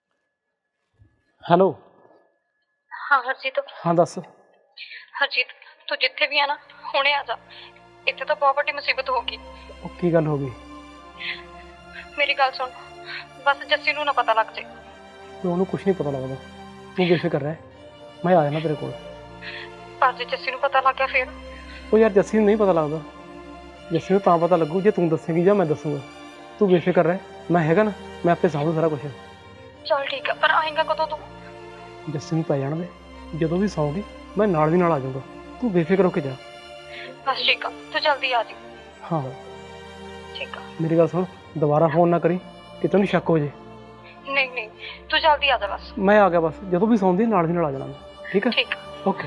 Speaker 1: हेलो।
Speaker 5: हाँ हरजीत।
Speaker 1: हाँ दस।
Speaker 5: हरजीत, ਤੂੰ ਜਿੱਥੇ ਵੀ ਆ ਨਾ ਹੁਣੇ ਆ ਜਾ। ਇੱਥੇ ਤਾਂ ਬਹੁਤ ਵੱਡੀ ਮੁਸੀਬਤ ਹੋ ਗਈ।
Speaker 1: ਉਹ ਕੀ ਗੱਲ ਹੋ ਗਈ?
Speaker 5: ਮੇਰੀ ਗੱਲ ਸੁਣ, ਬਸ ਜੱਸੀ ਨੂੰ ਨਾ ਪਤਾ ਲੱਗ ਜੇ।
Speaker 1: ਤੇ ਉਹਨੂੰ ਕੁਝ ਨਹੀਂ ਪਤਾ ਲੱਗਦਾ, ਤੂੰ ਬੇਫਿਕਰ ਰਹਿ, ਮੈਂ ਆ ਜਾਣਾ ਤੇਰੇ ਕੋਲ।
Speaker 5: ਪਰ ਜੇ ਜੱਸੀ ਨੂੰ ਪਤਾ ਲੱਗ ਗਿਆ ਫਿਰ?
Speaker 1: ਉਹ ਯਾਰ ਜੱਸੀ ਨੂੰ ਨਹੀਂ ਪਤਾ ਲੱਗਦਾ, ਜੱਸੀ ਨੂੰ ਤਾਂ ਪਤਾ ਲੱਗੂ ਜੇ ਤੂੰ ਦੱਸੇਂਗੀ ਜਾਂ ਮੈਂ ਦੱਸੂਗਾ। ਤੂੰ ਬੇਫਿਕਰ ਰਹਿ, ਮੈਂ ਹੈਗਾ ਨਾ, ਮੈਂ ਆਪੇ ਸਾਂਭੂ ਸਾਰਾ ਕੁਝ।
Speaker 5: ਚਲ ਠੀਕ ਆ, ਪਰ ਆਏਗਾ ਕਦੋਂ ਤੂੰ?
Speaker 1: ਜੱਸੀ ਨੂੰ ਪੈ ਜਾਣ ਦੇ, ਜਦੋਂ ਵੀ ਸੌਂਗੀ ਮੈਂ ਨਾਲ ਦੀ ਨਾਲ ਆ ਜਾਊਂਗਾ, ਤੂੰ ਬੇਫਿਕਰ ਹੋ ਕੇ ਜਾ।
Speaker 5: ਬਸ ਠੀਕ ਆ, ਤੂੰ ਜਲਦੀ ਆ ਜੀ।
Speaker 1: ਹਾਂ
Speaker 5: ਠੀਕ ਆ।
Speaker 1: ਮੇਰੀ ਗੱਲ ਸੁਣ, ਦੁਬਾਰਾ ਫੋਨ ਨਾ ਕਰੀ ਕਿ ਤੈਨੂੰ ਸ਼ੱਕ ਹੋ ਜੇ।
Speaker 5: ਨਹੀਂ ਨਹੀਂ, ਤੂੰ ਜਲਦੀ ਆ ਜਾ ਬਸ।
Speaker 1: ਮੈਂ ਆ ਗਿਆ, ਬਸ ਜਦੋਂ ਵੀ ਸੌਂਦੀ ਨਾਲ ਦੀ ਨਾਲ ਆ ਜਾਣਾ ਮੈਂ। ਠੀਕ ਹੈ?
Speaker 5: ਠੀਕ ਆ।
Speaker 1: ਓਕੇ।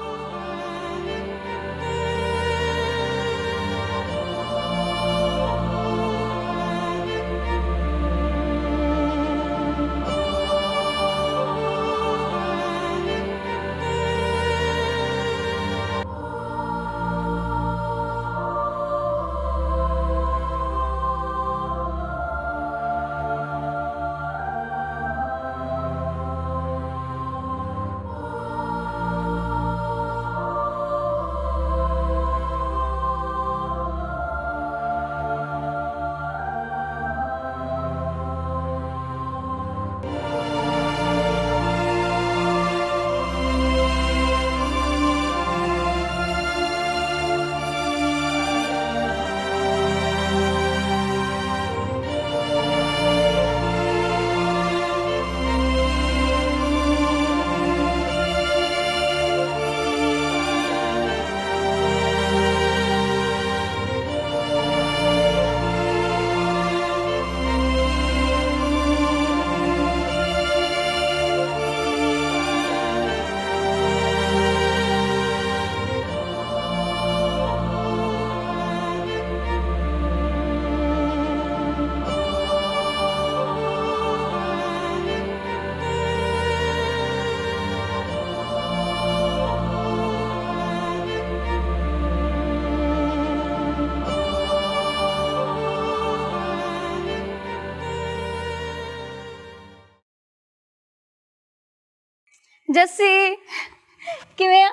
Speaker 5: ਜੱਸੀ ਕਿਵੇਂ ਆ?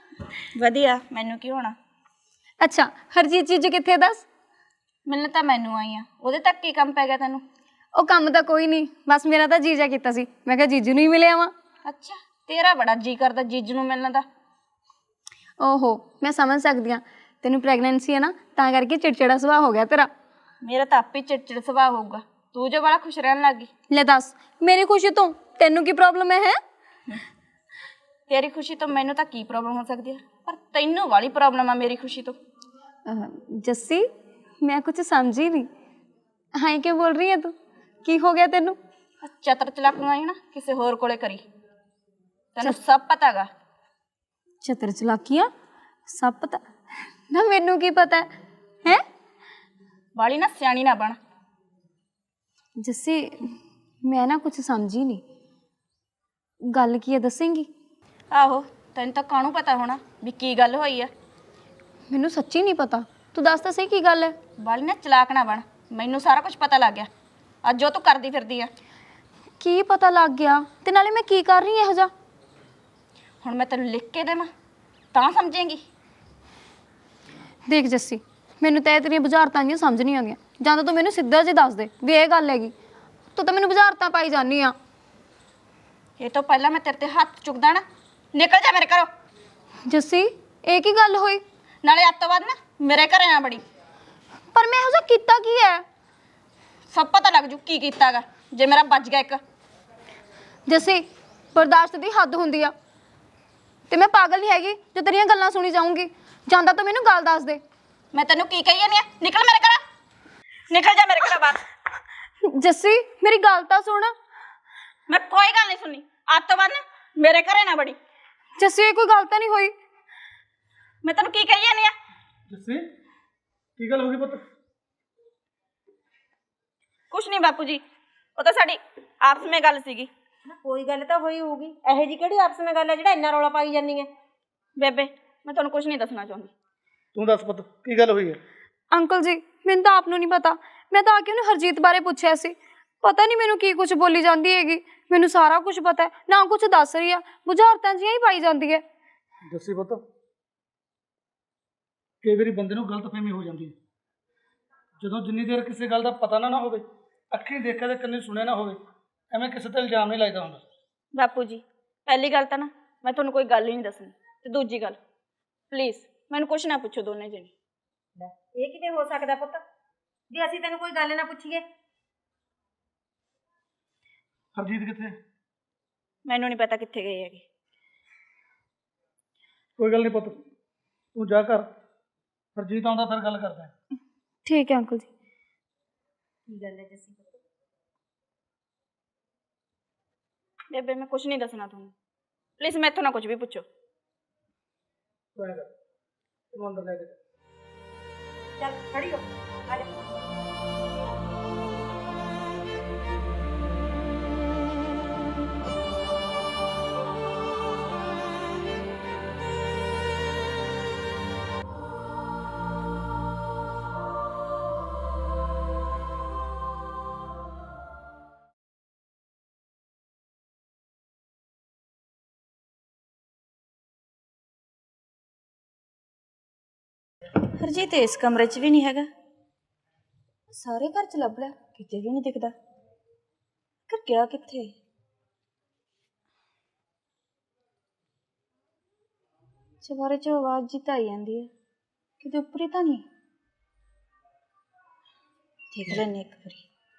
Speaker 2: ਵਧੀਆ, ਮੈਨੂੰ ਕੀ ਹੋਣਾ?
Speaker 5: ਅੱਛਾ, ਹਰਜੀਤ ਜੀਜੂ ਕਿੱਥੇ ਦੱਸ?
Speaker 2: ਮਿਲਣ ਤਾਂ ਮੈਨੂੰ ਆਈ ਆ, ਉਹਦੇ ਤੱਕ ਕੀ ਕੰਮ ਪੈ ਗਿਆ ਤੈਨੂੰ?
Speaker 5: ਉਹ ਕੰਮ ਤਾਂ ਕੋਈ ਨਹੀਂ, ਬਸ ਮੇਰਾ ਤਾਂ ਜੀਜਾ ਕੀਤਾ ਸੀ, ਮੈਂ ਕਿਹਾ ਜੀਜੂ ਨੂੰ ਹੀ ਮਿਲਿਆ ਵਾਂ।
Speaker 2: ਅੱਛਾ, ਤੇਰਾ ਬੜਾ ਜੀ ਕਰਦਾ ਜੀਜੂ ਨੂੰ ਮਿਲਣ ਦਾ।
Speaker 5: ਓਹੋ, ਮੈਂ ਸਮਝ ਸਕਦੀ ਹਾਂ, ਤੈਨੂੰ ਪ੍ਰੈਗਨੈਂਸੀ ਹੈ ਨਾ, ਤਾਂ ਕਰਕੇ ਚਿੜਚਿੜਾ ਸੁਭਾਅ ਹੋ ਗਿਆ ਤੇਰਾ।
Speaker 2: ਮੇਰਾ ਤਾਂ ਆਪੇ ਚਿੜਚਿੜ ਸੁਭਾਅ ਹੋਊਗਾ, ਤੂੰ ਜੋ ਬੜਾ ਖੁਸ਼ ਰਹਿਣ ਲੱਗੀ।
Speaker 5: ਲੈ ਦੱਸ, ਮੇਰੀ ਖੁਸ਼ੀ ਤੋਂ ਤੈਨੂੰ ਕੀ ਪ੍ਰੋਬਲਮ ਹੈ?
Speaker 2: ਤੇਰੀ ਖੁਸ਼ੀ ਤੋਂ ਮੈਨੂੰ ਤਾਂ ਕੀ ਪ੍ਰੋਬਲਮ ਹੋ ਸਕਦੀ ਹੈ, ਪਰ ਤੈਨੂੰ ਵਾਲੀ ਪ੍ਰੋਬਲਮ ਆ ਮੇਰੀ ਖੁਸ਼ੀ ਤੋਂ।
Speaker 5: ਜੱਸੀ, ਮੈਂ ਕੁਝ ਸਮਝੀ ਨਹੀਂ। ਹਾਂ, ਕੀ ਬੋਲ ਰਹੀ ਹੈ ਤੂੰ? ਕੀ ਹੋ ਗਿਆ ਤੈਨੂੰ?
Speaker 2: ਚਤਰ ਚਲਾਕੀਆਂ ਹੀ ਨਾ ਕਿਸੇ ਹੋਰ ਕੋਲੇ ਕਰੀ, ਤੈਨੂੰ ਸਭ ਪਤਾ ਗਾ।
Speaker 5: ਚਤਰ ਚਲਾਕੀਆਂ? ਸਭ ਪਤਾ ਨਾ, ਮੈਨੂੰ ਕੀ ਪਤਾ ਹੈ?
Speaker 2: ਵਾਲੀ ਨਾ ਸਿਆਣੀ ਨਾ ਬਣ।
Speaker 5: ਜੱਸੀ, ਮੈਂ ਨਾ ਕੁਝ ਸਮਝੀ ਨਹੀਂ, ਗੱਲ ਕੀ ਹੈ ਦੱਸੇਂਗੀ?
Speaker 2: ਆਹੋ, ਤੈਨੂੰ ਤਾਂ ਕਾਹਨੂੰ ਪਤਾ ਹੋਣਾ ਵੀ ਕੀ ਗੱਲ ਹੋਈ ਆ।
Speaker 5: ਮੈਨੂੰ ਸੱਚੀ ਨਹੀਂ ਪਤਾ, ਤੂੰ ਦੱਸ ਤਾਂ ਸਹੀ ਕੀ ਗੱਲ ਹੈ।
Speaker 2: ਵਾਲੀ ਨਾ ਚਲਾਕ ਨਾ ਬਣ, ਮੈਨੂੰ ਸਾਰਾ ਕੁਝ ਪਤਾ ਲੱਗ ਗਿਆ ਅੱਜ ਜੋ ਤੂੰ ਕਰਦੀ ਫਿਰਦੀ ਆ।
Speaker 5: ਕੀ ਪਤਾ ਲੱਗ ਗਿਆ? ਤੇ ਨਾਲੇ ਮੈਂ ਕੀ ਕਰ ਰਹੀ ਹਾਂ ਇਹੋ ਜਿਹਾ?
Speaker 2: ਹੁਣ ਮੈਂ ਤੈਨੂੰ ਲਿਖ ਕੇ ਦੇਵਾਂ ਤਾਂ ਸਮਝੇਂਗੀ?
Speaker 5: ਦੇਖ ਜੱਸੀ, ਮੈਨੂੰ ਤਾਂ ਇਹ ਤੇਰੀਆਂ ਬੁਝਾਰਤਾਂ ਨਹੀਂ ਸਮਝ ਨਹੀਂ ਆਉਂਦੀਆਂ, ਜਾਂ ਤਾਂ ਤੂੰ ਮੈਨੂੰ ਸਿੱਧਾ ਜਿਹਾ ਦੱਸ ਦੇ ਵੀ ਇਹ ਗੱਲ ਹੈਗੀ, ਤੂੰ ਤਾਂ ਮੈਨੂੰ ਬੁਝਾਰਤਾਂ ਪਾਈ ਜਾਂਦੀ ਆ।
Speaker 2: ਇਹ ਤੋਂ ਪਹਿਲਾਂ ਮੈਂ ਤੇਰੇ ਤੇ ਹੱਥ ਚੁੱਕਦਾ ਨਾ, ਨਿਕਲ ਜਾ ਮੇਰੇ ਘਰੋਂ।
Speaker 5: ਜੱਸੀ, ਇਹ ਕੀ ਗੱਲ ਹੋਈ?
Speaker 2: ਨਾਲੇ ਅੱਜ ਤੋਂ ਬਾਅਦ ਨਾ ਮੇਰੇ ਘਰੇ ਨਾ ਬੜੀ।
Speaker 5: ਪਰ ਮੈਂ ਇਹੋ ਜਿਹਾ ਕੀਤਾ ਕੀ ਹੈ?
Speaker 2: ਸਭ ਪਤਾ ਲੱਗ ਜੂ ਕੀ ਕੀਤਾਗਾ ਜੇ ਮੇਰਾ ਵੱਜ ਗਿਆ ਇੱਕ।
Speaker 5: ਜੱਸੀ, ਬਰਦਾਸ਼ਤ ਦੀ ਹੱਦ ਹੁੰਦੀ ਆ, ਤੇ ਮੈਂ ਪਾਗਲ ਨਹੀਂ ਹੈਗੀ ਜੋ ਤੇਰੀਆਂ ਗੱਲਾਂ ਸੁਣੀ ਜਾਊਂਗੀ। ਜਾਂਦਾ ਤਾਂ ਮੈਨੂੰ ਗੱਲ ਦੱਸ ਦੇ।
Speaker 2: ਮੈਂ ਤੈਨੂੰ ਕੀ ਕਹੀ ਜਾਂਦੀ ਆ? ਨਿਕਲ ਮੇਰੇ ਘਰੋਂ, ਨਿਕਲ ਜਾ ਮੇਰੇ ਘਰੋਂ ਬਾਹਰ।
Speaker 5: ਜੱਸੀ, ਮੇਰੀ ਗੱਲ ਤਾਂ ਸੁਣ।
Speaker 2: ਮੈਂ ਕੋਈ ਗੱਲ ਨਹੀਂ ਸੁਣਨੀ, ਅੱਜ ਤੋਂ ਬਾਅਦ ਨਾ ਮੇਰੇ ਘਰੇ ਨਾ ਬੜੀ।
Speaker 5: ਜੱਸੀ, ਇਹ ਕੋਈ ਗੱਲ ਤਾਂ ਨਹੀਂ ਹੋਈ?
Speaker 2: ਮੈਂ ਤੈਨੂੰ ਕੀ ਕਹੀ ਜਾਂਦੀ ਆ?
Speaker 3: ਜੱਸੀ ਕੀ ਗੱਲ ਹੋ ਗਈ ਪੁੱਤ?
Speaker 2: ਕੁਛ ਨਹੀਂ ਬਾਪੂ ਜੀ, ਉਹ ਤਾਂ ਸਾਡੀ ਆਪਸ ਵਿੱਚ ਗੱਲ ਸੀਗੀ।
Speaker 4: ਕੋਈ ਗੱਲ ਤਾਂ ਹੋਈ ਹੋਊਗੀ, ਇਹੋ ਜੀ ਕਿਹੜੀ ਆਪਸ ਵਿੱਚ ਗੱਲ ਹੈ ਜਿਹੜਾ ਇੰਨਾ ਰੌਲਾ ਪਾਈ ਜਾਂਦੀ ਹੈ?
Speaker 2: ਬੇਬੇ, ਮੈਂ ਤੁਹਾਨੂੰ ਕੁਛ ਨਹੀਂ ਦੱਸਣਾ ਚਾਹੁੰਦੀ।
Speaker 3: ਤੂੰ ਦੱਸ ਪੁੱਤ ਕੀ ਗੱਲ ਹੋਈ ਹੈ?
Speaker 5: ਅੰਕਲ ਜੀ, ਮੈਨੂੰ ਤਾਂ ਆਪ ਨੂੰ ਨਹੀਂ ਪਤਾ, ਮੈਂ ਤਾਂ ਆ ਕੇ ਉਹਨੂੰ ਹਰਜੀਤ ਬਾਰੇ ਪੁੱਛਿਆ ਸੀ, ਪਤਾ ਨਹੀਂ ਮੈਨੂੰ ਕੀ ਕੁਝ ਬੋਲੀ ਜਾਂਦੀ ਹੈਗੀ। ਮੈਨੂੰ ਸਾਰਾ ਕੁਝ ਪਤਾ ਹੈ, ਨਾ ਕੁਝ ਦੱਸ ਰਹੀ ਆ, ਬੁਝਾਰਤਾਂ ਜਿਹੀਆਂ ਹੀ ਪਾਈ ਜਾਂਦੀ ਹੈ।
Speaker 3: ਜੱਸੀ ਪੁੱਤ ਕਈ ਵਾਰੀ ਬੰਦੇ ਨੂੰ ਗਲਤਫਹਿਮੀ ਹੋ ਜਾਂਦੀ ਹੈ। ਜਦੋਂ ਜਿੰਨੀ ਦੇਰ ਕਿਸੇ ਗੱਲ ਦਾ ਪਤਾ ਨਾ ਹੋਵੇ, ਅੱਖੀਂ ਦੇਖਿਆ ਤੇ ਕੰਨੀ ਸੁਣਿਆ ਨਾ ਹੋਵੇ, ਐਵੇਂ ਕਿਸੇ ਤੇ ਇਲਜ਼ਾਮ ਨਹੀਂ ਲਾਈਦਾ ਹੁੰਦਾ।
Speaker 2: ਬਾਪੂ ਜੀ, ਪਹਿਲੀ ਗੱਲ ਤਾਂ ਨਾ ਮੈਂ ਤੁਹਾਨੂੰ ਕੋਈ ਗੱਲ ਹੀ ਨਹੀਂ ਦੱਸਣੀ, ਤੇ ਦੂਜੀ ਗੱਲ ਪਲੀਜ਼ ਮੈਨੂੰ ਕੁਛ ਨਾ ਪੁੱਛੋ ਦੋਨੇ ਜਣੇ।
Speaker 4: ਲੈ, ਇਹ ਕਿਵੇਂ ਹੋ ਸਕਦਾ ਪੁੱਤ ਜੇ ਅਸੀਂ ਤੈਨੂੰ ਕੋਈ ਗੱਲ ਨਾ ਪੁੱਛੀਏ?
Speaker 3: ਹਰਜੀਤ ਕਿੱਥੇ?
Speaker 2: ਮੈਨੂੰ ਨਹੀਂ ਪਤਾ ਕਿੱਥੇ ਗਏ ਹੈਗੇ।
Speaker 3: ਕੋਈ ਗੱਲ ਨਹੀਂ ਪੁੱਤ, ਤੂੰ ਜਾ ਕਰ, ਹਰਜੀਤ ਆਉਂਦਾ ਫਿਰ ਗੱਲ ਕਰਦੇ ਹਾਂ।
Speaker 5: ਠੀਕ ਹੈ ਅੰਕਲ ਜੀ।
Speaker 4: ਕੀ ਗੱਲ ਹੈ ਜੱਸੀ ਪੁੱਤ?
Speaker 2: ਬੇਬੇ ਮੈਂ ਕੁਛ ਨਹੀਂ ਦੱਸਣਾ ਤੁਹਾਨੂੰ, ਪਲੀਜ਼ ਮੈਥੋਂ ਨਾ ਕੁਝ ਵੀ ਪੁੱਛੋ।
Speaker 3: ਤੂੰ ਐਂ ਕਰ, ਤੂੰ ਅੰਦਰ ਲੈ ਕੇ ਜਾ।
Speaker 4: ਚੱਲ ਖੜੀ ਹੋ, ਆ ਜਾ।
Speaker 2: ਹਰਜੀਤ ਇਸ ਕਮਰੇ 'ਚ ਵੀ ਨਹੀਂ ਹੈਗਾ, ਸਾਰੇ ਘਰ 'ਚ ਲੱਭ ਲਿਆ, ਕਿਤੇ ਵੀ ਨਹੀਂ ਦਿਖਦਾ। ਕਰ ਗਿਆ ਕਿੱਥੇ? ਚਵਾਰੇ 'ਚ ਆਵਾਜ਼ ਜੀ ਤਾਂ ਆਈ ਜਾਂਦੀ ਹੈ, ਕਿਤੇ ਉੱਪਰ ਹੀ ਤਾਂ ਨਹੀਂ। ਦੇਖ ਲੈਂਦੇ ਇੱਕ ਵਾਰੀ।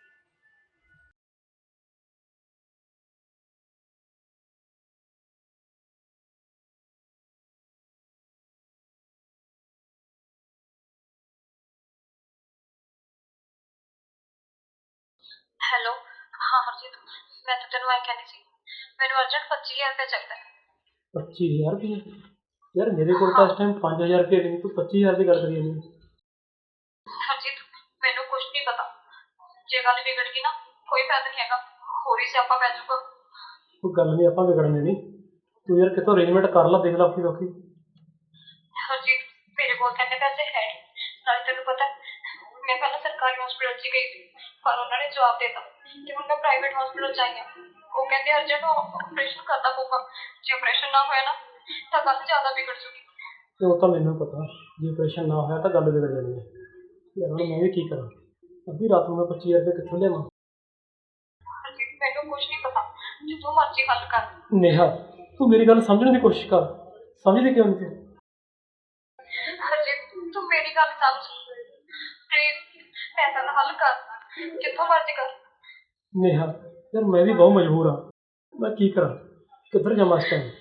Speaker 5: ਹੈਲੋ, ਹਾਂ ਹਰਜੀਤ, ਮੈਂ ਤਾਂ ਤੈਨੂੰ ਐਂ ਕਹਿੰਦੀ ਸੀ, ਮੈਨੂੰ ਅਰਜੈਂਟ 25,000 ਰੁਪਏ ਚਾਹੀਦਾ।
Speaker 1: 25,000 ਰੁਪਏ? ਯਾਰ ਮੇਰੇ ਕੋਲ ਤਾਂ ਇਸ ਟਾਈਮ 5,000 ਰੁਪਏ ਨਹੀਂ, ਤੂੰ 25,000 ਦੀ ਗੱਲ ਕਰੀ ਜਾਂਦੀ ਹੈ।
Speaker 5: ਹਰਜੀਤ, ਮੈਨੂੰ ਕੁਝ ਨਹੀਂ ਪਤਾ, ਜੇ ਗੱਲ ਵਿਗੜ ਗਈ ਨਾ ਕੋਈ ਫਾਇਦਾ ਨਹੀਂ ਹੈਗਾ, ਹੋਰ ਹੀ ਸਿਆਪਾ ਪੈ ਜਾਊਗਾ।
Speaker 1: ਕੋਈ ਗੱਲ ਨਹੀਂ, ਆਪਾਂ ਵਿਗੜਨੇ ਨਹੀਂ। ਤੂੰ ਯਾਰ ਕਿਤੋਂ ਅਰੇਂਜਮੈਂਟ ਕਰ ਲਾ, ਦੇਖ ਲਾ ਔਖੀ ਸੌਖੀ।
Speaker 5: ਹਰਜੀਤ, ਮੇਰੇ ਕੋਲ ਤਾਂ ਇੰਨੇ ਪੈਸੇ ਹੈ ਨਹੀਂ, ਨਾਲੇ ਤੈਨੂੰ ਪਤਾ ਮੈਂ ਪਹਿਲਾਂ ਸਰਕਾਰੀ ਹਸਪੀਟਲ 'ਚ ਗਈ ਸੀ, ਪਰ ਉਹਨਾਂ ਨੇ ਜਵਾਬ ਦੇ ਦਿੱਤਾ ਕਿ ਹੁਣ ਮੈਂ ਪ੍ਰਾਈਵੇਟ ਹਸਪੀਟਲ 'ਚ ਆਈ ਹਾਂ। ਉਹ ਕਹਿੰਦੇ ਅਰਜੈਂਟ ਆਪਰੇਸ਼ਨ ਕਰਨਾ ਪਊਗਾ, ਜੇ ਆਪਰੇਸ਼ਨ ਨਾ ਹੋਇਆ ਨਾ ਤਾਂ ਗੱਲ ਜ਼ਿਆਦਾ ਵਿਗੜ ਜੂਗੀ।
Speaker 1: ਤੇ ਉਹ ਤਾਂ ਮੈਨੂੰ ਪਤਾ, ਜੇ ਆਪਰੇਸ਼ਨ ਨਾ ਹੋਇਆ ਤਾਂ ਗੱਲ ਵਿਗੜ ਜਾਣੀ ਹੈ। ਯਾਰ ਹੁਣ ਮੈਂ ਵੀ ਕੀ ਕਰਾਂ, ਅੱਧੀ ਰਾਤ ਨੂੰ ਮੈਂ 25,000 ਰੁਪਏ ਕਿੱਥੋਂ ਲਿਆਵਾਂ?
Speaker 5: ਹਰਜੀਤ, ਮੈਨੂੰ ਕੁਝ ਨਹੀਂ ਪਤਾ, ਜਿੱਥੋਂ ਮਰਜ਼ੀ ਹੱਲ ਕਰ।
Speaker 1: ਨੇਹਾ, ਤੂੰ ਮੇਰੀ ਗੱਲ ਸਮਝਣ ਦੀ ਕੋਸ਼ਿਸ਼ ਕਰ, ਸਮਝਦੀ ਕਿਉਂ ਨਹੀਂ ਤੂੰ?
Speaker 5: ਹਰਜੀਤ, ਤੂੰ ਮੇਰੀ ਗੱਲ ਸਮਝ ਪਲੀਜ਼, ਪੈਸਾ ਦਾ ਹੱਲ ਕਰ, ਜਿੱਥੋਂ ਮਰਜ਼ੀ ਕਰ।
Speaker 1: ਨੇਹਾ ਯਾਰ ਮੈਂ ਵੀ ਬਹੁਤ ਮਜਬੂਰ ਹਾਂ, ਮੈਂ ਕੀ ਕਰਾਂ, ਕਿੱਧਰ ਜਾਵਾਂ ਇਸ ਟਾਈਮ?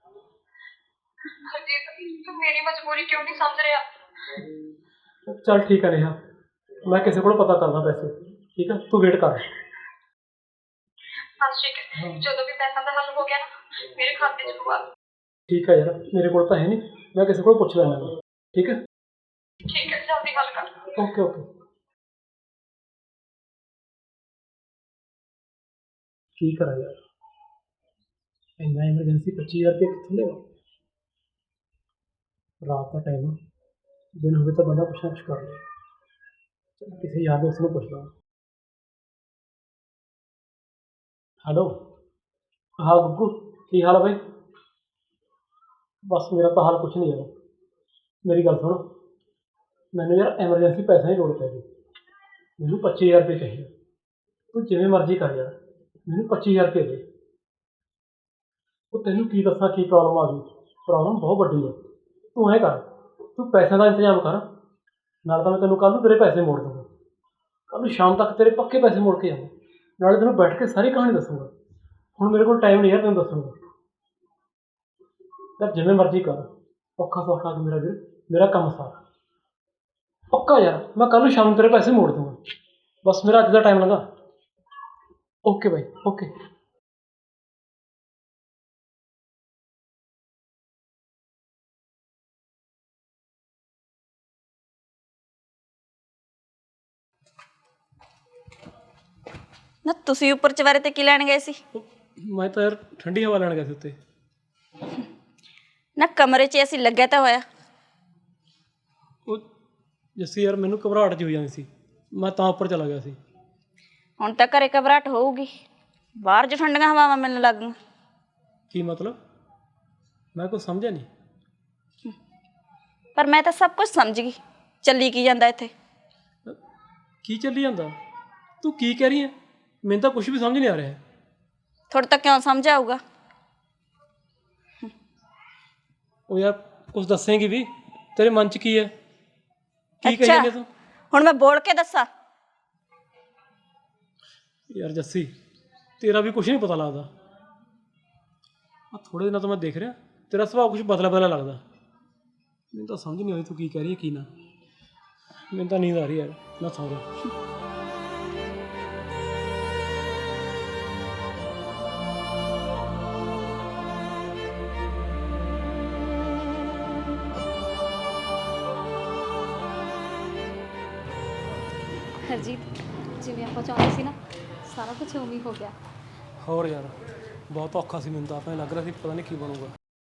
Speaker 5: ਹਰਜੀਤ, ਤੂੰ ਮੇਰੀ ਮਜਬੂਰੀ ਕਿਉਂ ਨਹੀਂ ਸਮਝ ਰਿਹਾ?
Speaker 1: ਚੱਲ ਠੀਕ ਹੈ ਨੇਹਾ, ਮੈਂ ਕਿਸੇ ਕੋਲ ਪਤਾ ਕਰਦਾ ਪੈਸੇ, ਠੀਕ ਹੈ? ਤੂੰ ਵੇਟ ਕਰ।
Speaker 5: ਬਸ ਠੀਕ ਹੈ, ਜਦੋਂ ਵੀ ਪੈਸਾ ਦਾ ਹੱਲ ਹੋ ਗਿਆ ਨਾ ਮੇਰੇ ਖਾਤੇ 'ਚ ਪਵਾ।
Speaker 1: ਠੀਕ ਹੈ ਯਾਰ, ਮੇਰੇ ਕੋਲ ਤਾਂ ਹੈ ਨਹੀਂ, ਮੈਂ ਕਿਸੇ ਕੋਲ ਪੁੱਛ ਲੈਣਾ, ਠੀਕ ਹੈ?
Speaker 5: ਠੀਕ ਹੈ, ਜਲਦੀ ਹੱਲ ਕਰ।
Speaker 1: Okay okay. ਕੀ ਕਰਾਂ ਯਾਰ, ਇੰਨਾ ਐਮਰਜੈਂਸੀ 25,000 ਰੁਪਏ ਕਿੱਥੋਂ ਲਿਆਵਾਂ? ਰਾਤ ਦਾ ਟਾਈਮ ਆ, ਦਿਨ ਹੋਵੇ ਤਾਂ ਬੰਦਾ ਕੁਛ ਨਾ ਕੁਛ ਕਰ ਲੇ। ਚੱਲ ਕਿਸੇ ਯਾਰ ਦੋਸਤ ਨੂੰ ਪੁੱਛ ਲਵਾਂ। ਹੈਲੋ, ਹਾਂ ਗੁੱਗੂ, ਕੀ ਹਾਲ ਆ ਬਾਈ? ਬਸ ਮੇਰਾ ਤਾਂ ਹਾਲ ਕੁਛ ਨਹੀਂ ਯਾਰ, ਮੇਰੀ ਗੱਲ ਸੁਣ, ਮੈਨੂੰ ਯਾਰ ਐਮਰਜੈਂਸੀ ਪੈਸਿਆਂ ਦੀ ਲੋੜ ਪੈ ਗਈ, ਮੈਨੂੰ 25,000 ਰੁਪਏ ਚਾਹੀਦੇ। ਤੂੰ ਜਿਵੇਂ ਮਰਜ਼ੀ ਕਰ ਯਾਰ, ਮੈਨੂੰ 25,000 ਰੁਪਏ ਦੇ। ਉਹ ਤੈਨੂੰ ਕੀ ਦੱਸਾਂ ਕੀ ਪ੍ਰੋਬਲਮ ਆ ਗਈ, ਪ੍ਰੋਬਲਮ ਬਹੁਤ ਵੱਡੀ ਹੈ। ਤੂੰ ਐਂ ਕਰ, ਤੂੰ ਪੈਸਿਆਂ ਦਾ ਇੰਤਜ਼ਾਮ ਕਰ, ਨਾਲ ਤਾਂ ਮੈਂ ਤੈਨੂੰ ਕੱਲ੍ਹ ਨੂੰ ਤੇਰੇ ਪੈਸੇ ਮੋੜ ਦੂੰਗਾ, ਕੱਲ੍ਹ ਨੂੰ ਸ਼ਾਮ ਤੱਕ ਤੇਰੇ ਪੱਕੇ ਪੈਸੇ ਮੋੜ ਕੇ ਆਵਾਂ, ਨਾਲੇ ਤੈਨੂੰ ਬੈਠ ਕੇ ਸਾਰੀ ਕਹਾਣੀ ਦੱਸੂੰਗਾ। ਹੁਣ ਮੇਰੇ ਕੋਲ ਟਾਈਮ ਨਹੀਂ ਯਾਰ ਤੈਨੂੰ ਦੱਸੂੰਗਾ, ਯਾਰ ਜਿਵੇਂ ਮਰਜ਼ੀ ਕਰ, ਔਖਾ ਸੌਖਾ ਮੇਰਾ ਵੀਰ, ਮੇਰਾ ਕੰਮ ਸਾਰਾ ਪੱਕਾ ਯਾਰ, ਮੈਂ ਕੱਲ੍ਹ ਨੂੰ ਸ਼ਾਮ ਨੂੰ ਤੇਰੇ ਪੈਸੇ ਮੋੜ ਦੂੰਗਾ, ਬਸ ਮੇਰਾ ਅੱਜ ਦਾ ਟਾਈਮ ਲੰਘਾ। Okay bye, okay.
Speaker 2: ਨਾ ਤੁਸੀਂ ਉੱਪਰ ਚਵਾਰੇ ਤੇ ਕੀ ਲੈਣ ਗਏ ਸੀ?
Speaker 1: ਮੈਂ ਤਾਂ ਯਾਰ ਠੰਡੀ ਹਵਾ ਲੈਣ ਗਿਆ ਸੀ ਉੱਤੇ।
Speaker 2: ਨਾ ਕਮਰੇ 'ਚ ਅਸੀਂ ਲੱਗਿਆ ਤਾਂ ਹੋਇਆ।
Speaker 1: ਉਹ ਜੱਸੀ ਯਾਰ ਮੈਨੂੰ ਘਬਰਾਹਟ ਜਿਹੀ ਹੋ ਜਾਂਦੀ ਸੀ, ਮੈਂ ਤਾਂ ਉੱਪਰ ਚਲਾ ਗਿਆ ਸੀ।
Speaker 2: ਹੁਣ ਤਾਂ ਘਰੇ ਘਬਰਾਹਟ ਹੋਊਗੀ, ਬਾਹਰ 'ਚ ਠੰਡੀਆਂ ਹਵਾਵਾਂ ਮਿਲਣ ਲੱਗ ਗਈਆਂ।
Speaker 1: ਕੀ ਮਤਲਬ? ਮੈਂ ਕੁਛ ਸਮਝਿਆ ਨਹੀਂ।
Speaker 2: ਪਰ ਮੈਂ ਤਾਂ ਸਭ ਕੁਝ ਸਮਝ ਗਈ ਚੱਲੀ ਕੀ ਜਾਂਦਾ ਇੱਥੇ।
Speaker 1: ਕੀ ਚੱਲੀ ਜਾਂਦਾ? ਤੂੰ ਕੀ ਕਹਿ ਰਹੀ ਹੈ? ਮੈਨੂੰ ਤਾਂ ਕੁਝ ਵੀ ਸਮਝ ਨਹੀਂ ਆ ਰਿਹਾ।
Speaker 2: ਤੁਹਾਡੇ ਤੱਕ ਕਿਉਂ ਸਮਝ ਆਊਗਾ?
Speaker 1: ਉਹ ਯਾਰ ਕੁਝ ਦੱਸੇਂਗੀ ਵੀ? ਤੇਰੇ ਮਨ 'ਚ ਕੀ ਹੈ? ਕੀ ਕਹੀ
Speaker 2: ਅੱਛਾ
Speaker 1: ਜਾਂਦੀ ਤੂੰ?
Speaker 2: ਹੁਣ ਮੈਂ ਬੋਲ ਕੇ ਦੱਸਾਂ?
Speaker 1: ਯਾਰ ਜੱਸੀ, ਤੇਰਾ ਵੀ ਕੁਝ ਨਹੀਂ ਪਤਾ ਲੱਗਦਾ। ਆ ਥੋੜੇ ਦਿਨਾਂ ਤੋਂ ਮੈਂ ਦੇਖ ਰਿਹਾ ਤੇਰਾ ਸੁਭਾਅ ਕੁਝ ਬਦਲਾ ਬਦਲਾ ਲੱਗਦਾ। ਮੈਨੂੰ ਤਾਂ ਸਮਝ ਨਹੀਂ ਆਉਂਦੀ ਤੂੰ ਕੀ ਕਹਿ ਰਹੀ ਹੈ ਕੀ ਨਾ। ਮੈਨੂੰ ਤਾਂ ਨੀਂਦ ਆ ਰਹੀ ਹੈ, ਮੈਂ ਸੌਂ ਜਾ।
Speaker 6: ਹਰਜੀਤ, ਜਿਵੇਂ ਆਪਾਂ ਚਾਹੁੰਦੇ ਸੀ ਨਾ, ਸਾਰਾ ਕੁਝ ਉਵੇਂ ਹੀ ਹੋ ਗਿਆ।
Speaker 1: ਹੋਰ ਯਾਰ ਬਹੁਤ ਔਖਾ ਸੀ, ਮੈਨੂੰ ਤਾਂ ਆਪਣੇ ਲੱਗ ਰਿਹਾ ਸੀ ਪਤਾ ਨਹੀਂ ਕੀ ਬਣੂਗਾ।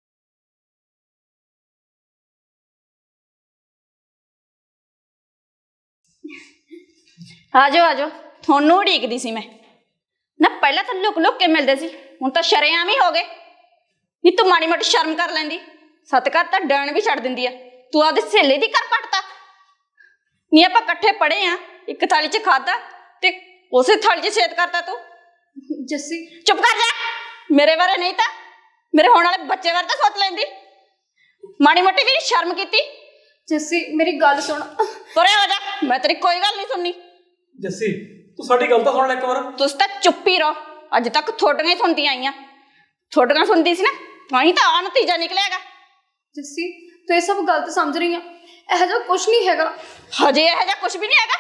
Speaker 2: ਆ ਜਾਓ ਤੁਹਾਨੂੰ ਉਡੀਕਦੀ ਸੀ ਮੈਂ। ਨਾ ਪਹਿਲਾਂ ਤਾਂ ਲੁਕ ਲੁਕ ਕੇ ਮਿਲਦੇ ਸੀ, ਹੁਣ ਤਾਂ ਸ਼ਰੇਆਮ ਹੀ ਹੋ ਗਏ। ਨੀ ਤੂੰ ਮਾੜੀ ਮੋਟੀ ਸ਼ਰਮ ਕਰ ਲੈਂਦੀ। ਸਤਿਕਾਰ ਤਾਂ ਡਣ ਵੀ ਛੱਡ ਦਿੰਦੀ ਆ। ਤੂੰ ਆਪਦੀ ਸਹੇਲੀ ਦੀ ਘਰ ਪੱਟਤਾ। ਨੀ ਆਪਾਂ ਇਕੱਠੇ ਪੜ੍ਹੇ ਆ, ਇੱਕ ਥਾਲੀ 'ਚ ਖਾਧਾ ਤੇ ਉਸੇ ਥਾਲੀ 'ਚ ਛੇਦ ਕਰਤਾ ਤੂੰ।
Speaker 6: ਜੱਸੀ,
Speaker 2: ਚੁੱਪ ਕਰ ਜਾ। ਮੇਰੇ ਬਾਰੇ ਨਹੀਂ ਤਾਂ ਮੇਰੇ ਹੋਣ ਵਾਲੇ ਬੱਚੇ ਬਾਰੇ ਤਾਂ ਸੋਚ ਲੈਂਦੀ। ਮਾੜੀ ਮੋਟੀ ਵੀ ਸ਼ਰਮ ਕੀਤੀ।
Speaker 6: ਜੱਸੀ ਮੇਰੀ ਗੱਲ ਸੁਣ।
Speaker 2: ਤੁਰੇ ਹੋ ਜਾ, ਮੈਂ ਤੇਰੀ ਕੋਈ ਗੱਲ ਨਹੀਂ ਸੁਣਨੀ।
Speaker 1: ਜੱਸੀ ਤੂੰ ਸਾਡੀ ਗੱਲ ਤਾਂ ਸੁਣ ਲੈ ਇੱਕ ਵਾਰ।
Speaker 2: ਤੁਸੀਂ ਤਾਂ ਚੁੱਪ ਹੀ ਰਹੋ। ਅੱਜ ਤੱਕ ਤੁਹਾਡੀਆਂ ਹੀ ਸੁਣਦੀਆਂ ਆਈਆਂ। ਤੁਹਾਡੀਆਂ ਸੁਣਦੀ ਸੀ ਨਾ, ਤਾਂ ਹੀ ਤਾਂ ਆ ਨਤੀਜਾ ਨਿਕਲਿਆਗਾ।
Speaker 6: ਜੱਸੀ ਤੂੰ ਇਹ ਸਭ ਗਲਤ ਸਮਝ ਰਹੀ ਆ। ਇਹੋ ਜਿਹਾ ਕੁਝ ਨਹੀਂ ਹੈਗਾ।
Speaker 2: ਹਜੇ ਇਹੋ ਜਿਹਾ ਕੁਝ ਵੀ ਨਹੀਂ ਹੈਗਾ।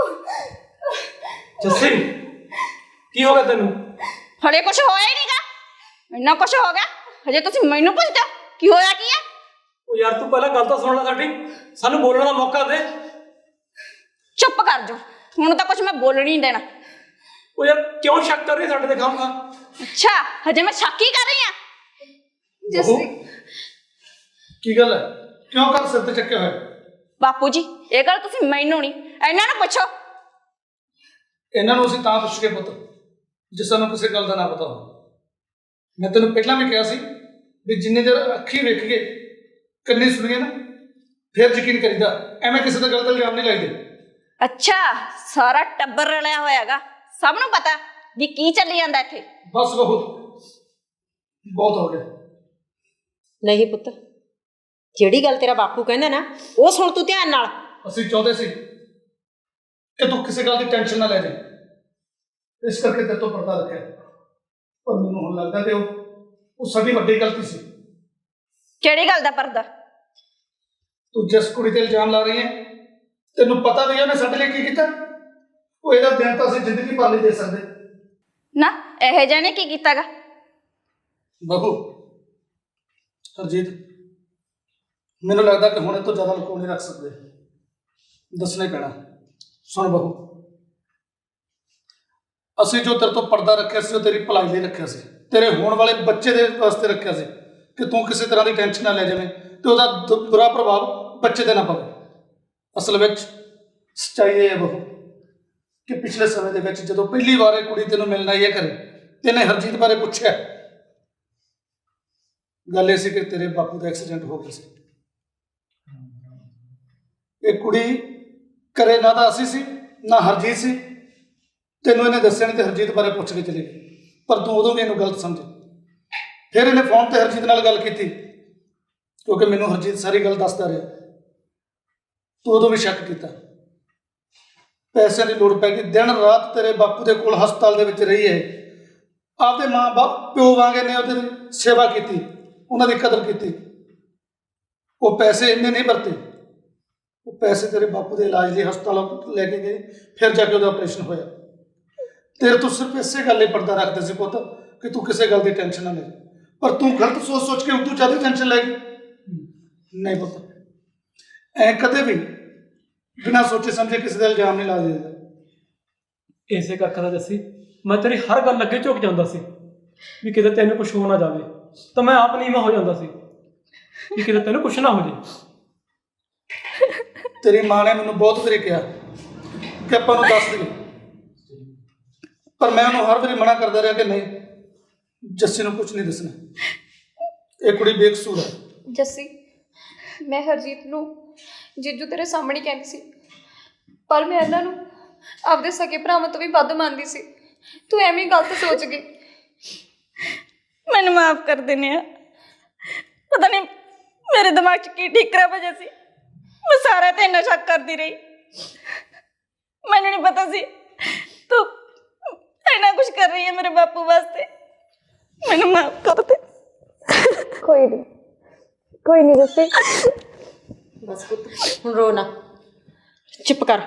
Speaker 1: ਜੱਸੀ ਕੀ ਹੋ ਗਿਆ ਤੈਨੂੰ?
Speaker 2: ਹਲੇ ਕੁਝ ਹੋਇਆ ਹੀ ਨਹੀਂਗਾ। ਇੰਨਾ ਕੁਝ ਹੋ ਗਿਆ, ਹਜੇ ਤੁਸੀਂ ਮੈਨੂੰ ਪੁੱਛਦੇ ਹੋ ਕੀ ਹੋਇਆ ਕੀ ਹੈ?
Speaker 1: ਉਹ ਯਾਰ ਤੂੰ ਪਹਿਲਾਂ ਗੱਲ ਤਾਂ ਸੁਣ ਲੈ ਸਾਡੀ, ਸਾਨੂੰ ਬੋਲਣ ਦਾ ਮੌਕਾ ਦੇ।
Speaker 2: ਚੁੱਪ ਕਰ ਜਾ, ਹੁਣ ਤਾਂ ਕੁਝ ਮੈਂ ਬੋਲਣ ਹੀ ਨਹੀਂ ਦੇਣਾ।
Speaker 1: ਉਹ ਯਾਰ ਕਿਉਂ ਸ਼ੱਕ ਕਰ ਰਹੀ ਸਾਡੇ ਤੇ ਖਾਮਖਾ?
Speaker 2: ਅੱਛਾ, ਹਜੇ ਮੈਂ ਸ਼ੱਕ ਹੀ ਕਰ ਰਹੀ ਹਾਂ।
Speaker 6: ਜੱਸੀ
Speaker 3: ਕੀ ਗੱਲ ਹੈ? ਕਿਉਂ ਕਰ ਸਿਰ ਤੇ ਚੱਕਿਆ ਹੋਇਆ?
Speaker 2: ਬਾਪੂ ਜੀ ਇਹ ਗੱਲ ਤੁਸੀਂ ਮੈਨੂੰ ਨਹੀਂ ਇਹਨਾਂ ਨੂੰ ਪੁੱਛੋ।
Speaker 3: ਇਹਨਾਂ ਨੂੰ ਅਸੀਂ ਤਾਂ ਪੁੱਛ ਕੇ ਪੁੱਤ ਜੇ ਸਾਨੂੰ ਕਿਸੇ ਗੱਲ ਦਾ ਨਾ ਪਤਾ ਹੋ। ਮੈਂ ਤੈਨੂੰ ਪਹਿਲਾਂ ਵੀ ਕਿਹਾ ਸੀ ਵੀ ਜਿੰਨੀ ਦੇਰ ਅੱਖੀਂ ਵੇਖ ਕੇ ਕੰਨੀ ਸੁਣੀਏ ਨਾ, ਫਿਰ ਯਕੀਨ ਕਰੀਦਾ। ਐਵੇਂ ਕਿਸੇ ਦਾ ਗਲਤ ਇਲਜ਼ਾਮ ਨਹੀਂ ਲਾਈਦੇ।
Speaker 2: ਅੱਛਾ, ਸਾਰਾ ਟੱਬਰ ਰਲਿਆ ਹੋਇਆਗਾ, ਸਭ ਨੂੰ ਪਤਾ ਵੀ ਕੀ ਚੱਲੀ ਜਾਂਦਾ ਇੱਥੇ।
Speaker 3: ਬਸ ਬਹੁਤ ਹੋ ਗਿਆ।
Speaker 4: ਨਹੀਂ ਪੁੱਤ, ਜਿਹੜੀ ਗੱਲ ਤੇਰਾ ਬਾਪੂ ਕਹਿੰਦਾ ਨਾ ਉਹ ਸੁਣ ਤੂੰ ਧਿਆਨ ਨਾਲ।
Speaker 3: ਅਸੀਂ ਚਾਹੁੰਦੇ ਸੀ ਕਿ ਤੂੰ ਕਿਸੇ ਗੱਲ ਦੀ ਟੈਨਸ਼ਨ ਨਾ ਲੈ ਜਾਏ, ਇਸ ਕਰਕੇ ਤੇਰੇ ਤੋਂ ਪਰਦਾ ਰੱਖਿਆ। ਪਰ ਮੈਨੂੰ ਹੁਣ ਲੱਗਦਾ ਕਿ ਉਹ ਸਾਡੀ ਵੱਡੀ ਗਲਤੀ ਸੀ।
Speaker 2: ਕਿਹੜੀ ਗੱਲ ਦਾ ਪਰਦਾ?
Speaker 3: ਤੂੰ ਜਿਸ ਕੁੜੀ ਤੇ ਇਲਜ਼ਾਮ ਲਾ ਰਹੀ ਹੈ, ਤੈਨੂੰ ਪਤਾ ਵੀ ਹੈ ਉਹਨੇ ਸਾਡੇ ਲਈ ਕੀ ਕੀਤਾ। ਉਹ ਇਹਦਾ ਦਿਨ ਤਾਂ ਅਸੀਂ ਜ਼ਿੰਦਗੀ ਭਰ ਨਹੀਂ ਦੇ ਸਕਦੇ।
Speaker 2: ਨਾ ਇਹ ਜਾਣੇ ਕੀ ਕੀਤਾਗਾ?
Speaker 3: ਬਹੂ ਹਰਜੀਤ, ਮੈਨੂੰ ਲੱਗਦਾ ਕਿ ਹੁਣ ਇਹ ਤੋਂ ਜ਼ਿਆਦਾ ਲੁਕੋ ਨਹੀਂ ਰੱਖ ਸਕਦੇ, ਦੱਸਣਾ ਹੀ ਪੈਣਾ। ਸੁਣ ਬਹੂ, ਅਸੀਂ ਜੋ ਤੇਰੇ ਤੋਂ ਪਰਦਾ ਰੱਖਿਆ ਸੀ ਉਹ ਤੇਰੀ ਭਲਾਈ ਲਈ ਰੱਖਿਆ ਸੀ, ਤੇਰੇ ਹੋਣ ਵਾਲੇ ਬੱਚੇ ਦੇ ਵਾਸਤੇ ਰੱਖਿਆ ਸੀ ਕਿ ਤੂੰ ਕਿਸੇ ਤਰ੍ਹਾਂ ਦੀ ਟੈਨਸ਼ਨ ਨਾ ਲੈ ਜਾਵੇਂ ਤੇ ਉਹਦਾ ਬੁਰਾ ਪ੍ਰਭਾਵ ਬੱਚੇ ਤੇ ਨਾ ਪਵੇ। ਅਸਲ ਵਿੱਚ ਸੱਚਾਈ ਇਹ ਹੈ ਬਹੂ ਕਿ ਪਿਛਲੇ ਸਮੇਂ ਦੇ ਵਿੱਚ ਜਦੋਂ ਪਹਿਲੀ ਵਾਰ ਇਹ ਕੁੜੀ ਤੈਨੂੰ ਮਿਲਣ ਆਈ ਹੈ ਘਰੇ, ਤੈਨੇ ਹਰਜੀਤ ਬਾਰੇ ਪੁੱਛਿਆ। ਗੱਲ ਇਹ ਸੀ ਕਿ ਤੇਰੇ ਬਾਪੂ ਦਾ ਐਕਸੀਡੈਂਟ ਹੋ ਗਿਆ ਸੀ। ਇਹ ਕੁੜੀ ਘਰੇ ਨਾ ਤਾਂ ਅਸੀਂ ਸੀ ਨਾ ਹਰਜੀਤ ਸੀ। ਤੈਨੂੰ ਇਹਨੇ ਦੱਸਿਆ ਨਹੀਂ ਤੇ ਹਰਜੀਤ ਬਾਰੇ ਪੁੱਛ ਕੇ ਚਲੀ ਗਈ, ਪਰ ਤੂੰ ਉਦੋਂ ਵੀ ਇਹਨੂੰ ਗਲਤ ਸਮਝੀ। ਫਿਰ ਇਹਨੇ ਫੋਨ ਤੇ ਹਰਜੀਤ ਨਾਲ ਗੱਲ ਕੀਤੀ ਕਿਉਂਕਿ ਮੈਨੂੰ ਹਰਜੀਤ ਸਾਰੀ ਗੱਲ ਦੱਸਦਾ ਰਿਹਾ। ਤੂੰ ਉਦੋਂ ਵੀ ਸ਼ੱਕ ਕੀਤਾ। ਪੈਸਿਆਂ ਦੀ ਲੋੜ ਪੈ ਗਈ, ਦਿਨ ਰਾਤ ਤੇਰੇ ਬਾਪੂ ਦੇ ਕੋਲ ਹਸਪਤਾਲ ਦੇ ਵਿੱਚ ਰਹੀ ਹੈ। ਆਪਦੇ ਮਾਂ ਬਾਪ ਪਿਓ ਵਾਂਗੇ ਨੇ ਉਹਦੀ ਸੇਵਾ ਕੀਤੀ, ਉਹਨਾਂ ਦੀ ਕਦਰ ਕੀਤੀ। ਉਹ ਪੈਸੇ ਇੰਨੇ ਨਹੀਂ ਵਰਤੇ, ਉਹ ਪੈਸੇ ਤੇਰੇ ਬਾਪੂ ਦੇ ਇਲਾਜ ਲਈ ਹਸਪਤਾਲ ਲੈ ਕੇ ਗਏ, ਫਿਰ ਜਾ ਕੇ ਉਹਦਾ ਆਪਰੇਸ਼ਨ ਹੋਇਆ। ਤੇਰੇ ਤੋਂ ਸਿਰਫ ਇਸੇ ਗੱਲ ਲਈ ਪਰਦਾ ਰੱਖਦੇ ਸੀ ਪੁੱਤ ਕਿ ਤੂੰ ਕਿਸੇ ਗੱਲ ਦੀ ਟੈਨਸ਼ਨ ਨਾ ਲੈ, ਪਰ ਤੂੰ ਗਲਤ ਸੋਚ ਕੇ ਉਦੋਂ ਜ਼ਿਆਦਾ ਟੈਨਸ਼ਨ ਲੈ ਗਈ। ਨਹੀਂ ਪੁੱਤ, ਐ ਕਦੇ ਵੀ ਬਿਨਾਂ ਸੋਚੇ ਸਮਝੇ ਕਿਸੇ ਦਾ ਇਲਜ਼ਾਮ ਨਹੀਂ ਲਾ ਦਿੰਦਾ।
Speaker 1: ਇਸੇ ਕਰਕੇ ਤਾਂ ਜੱਸੀ ਮੈਂ ਤੇਰੀ ਹਰ ਗੱਲ ਅੱਗੇ ਝੁਕ ਜਾਂਦਾ ਸੀ ਵੀ ਕਿਤੇ ਤੈਨੂੰ ਕੁਝ ਹੋ ਨਾ ਜਾਵੇ, ਤਾਂ ਮੈਂ ਆਪ ਨੀਵਾਂ ਹੋ ਜਾਂਦਾ ਸੀ ਵੀ ਕਿਤੇ ਤੈਨੂੰ ਕੁਝ ਨਾ ਹੋ ਜੇ।
Speaker 3: ਤੇਰੀ ਮਾਂ ਨੇ ਮੈਨੂੰ ਬਹੁਤ ਵਾਰੀ ਕਿਹਾ ਕਿ ਆਪਾਂ ਨੂੰ ਦੱਸ ਦੇ, ਪਰ ਮੈਂ ਉਹਨੂੰ ਹਰ ਵਾਰੀ ਮਨਾ ਕਰਦਾ ਰਿਹਾ ਕਿ ਨਹੀਂ, ਜੱਸੀ ਨੂੰ ਕੁਝ ਨਹੀਂ ਦੱਸਣਾ, ਇਹ ਕੁੜੀ ਬੇਕਸੂਰ ਹੈ।
Speaker 6: ਜੱਸੀ
Speaker 5: ਮੈਂ ਹਰਜੀਤ ਨੂੰ ਜੀਜੂ ਤੇਰੇ ਸਾਹਮਣੇ ਕਹਿੰਦੀ ਸੀ, ਪਰ ਮੈਂ ਇਹਨਾਂ ਨੂੰ ਆਪਦੇ ਸਕੇ ਭਰਾਵਾਂ ਤੋਂ ਵੀ ਵੱਧ ਮੰਨਦੀ ਸੀ। ਤੂੰ ਐਵੇਂ ਹੀ ਗਲਤ ਸੋਚ ਗਈ।
Speaker 2: ਮੈਨੂੰ ਮਾਫ ਕਰ ਦਿੰਦੇ ਆ। ਪਤਾ ਨਹੀਂ ਮੇਰੇ ਦਿਮਾਗ 'ਚ ਕੀ ਠੀਕਰਾ ਵਜਿਆ ਸੀ, ਮੈਂ ਸਾਰਾ ਤੇ ਇੰਨਾ ਸ਼ੱਕ ਕਰਦੀ ਰਹੀ। ਮੈਨੂੰ ਨਹੀਂ ਪਤਾ ਸੀ ਤੂੰ ਇੰਨਾ ਕੁਝ ਕਰ ਰਹੀ ਹੈ ਮੇਰੇ ਬਾਪੂ ਵਾਸਤੇ। ਮੈਨੂੰ ਮਾਫ ਕਰ ਦੇ।
Speaker 5: ਕੋਈ ਨਹੀਂ ਜੱਸੀ।
Speaker 4: ਬਸ ਪੁੱਤ ਹੁਣ ਰੋ ਨਾ, ਚੁੱਪ ਕਰ।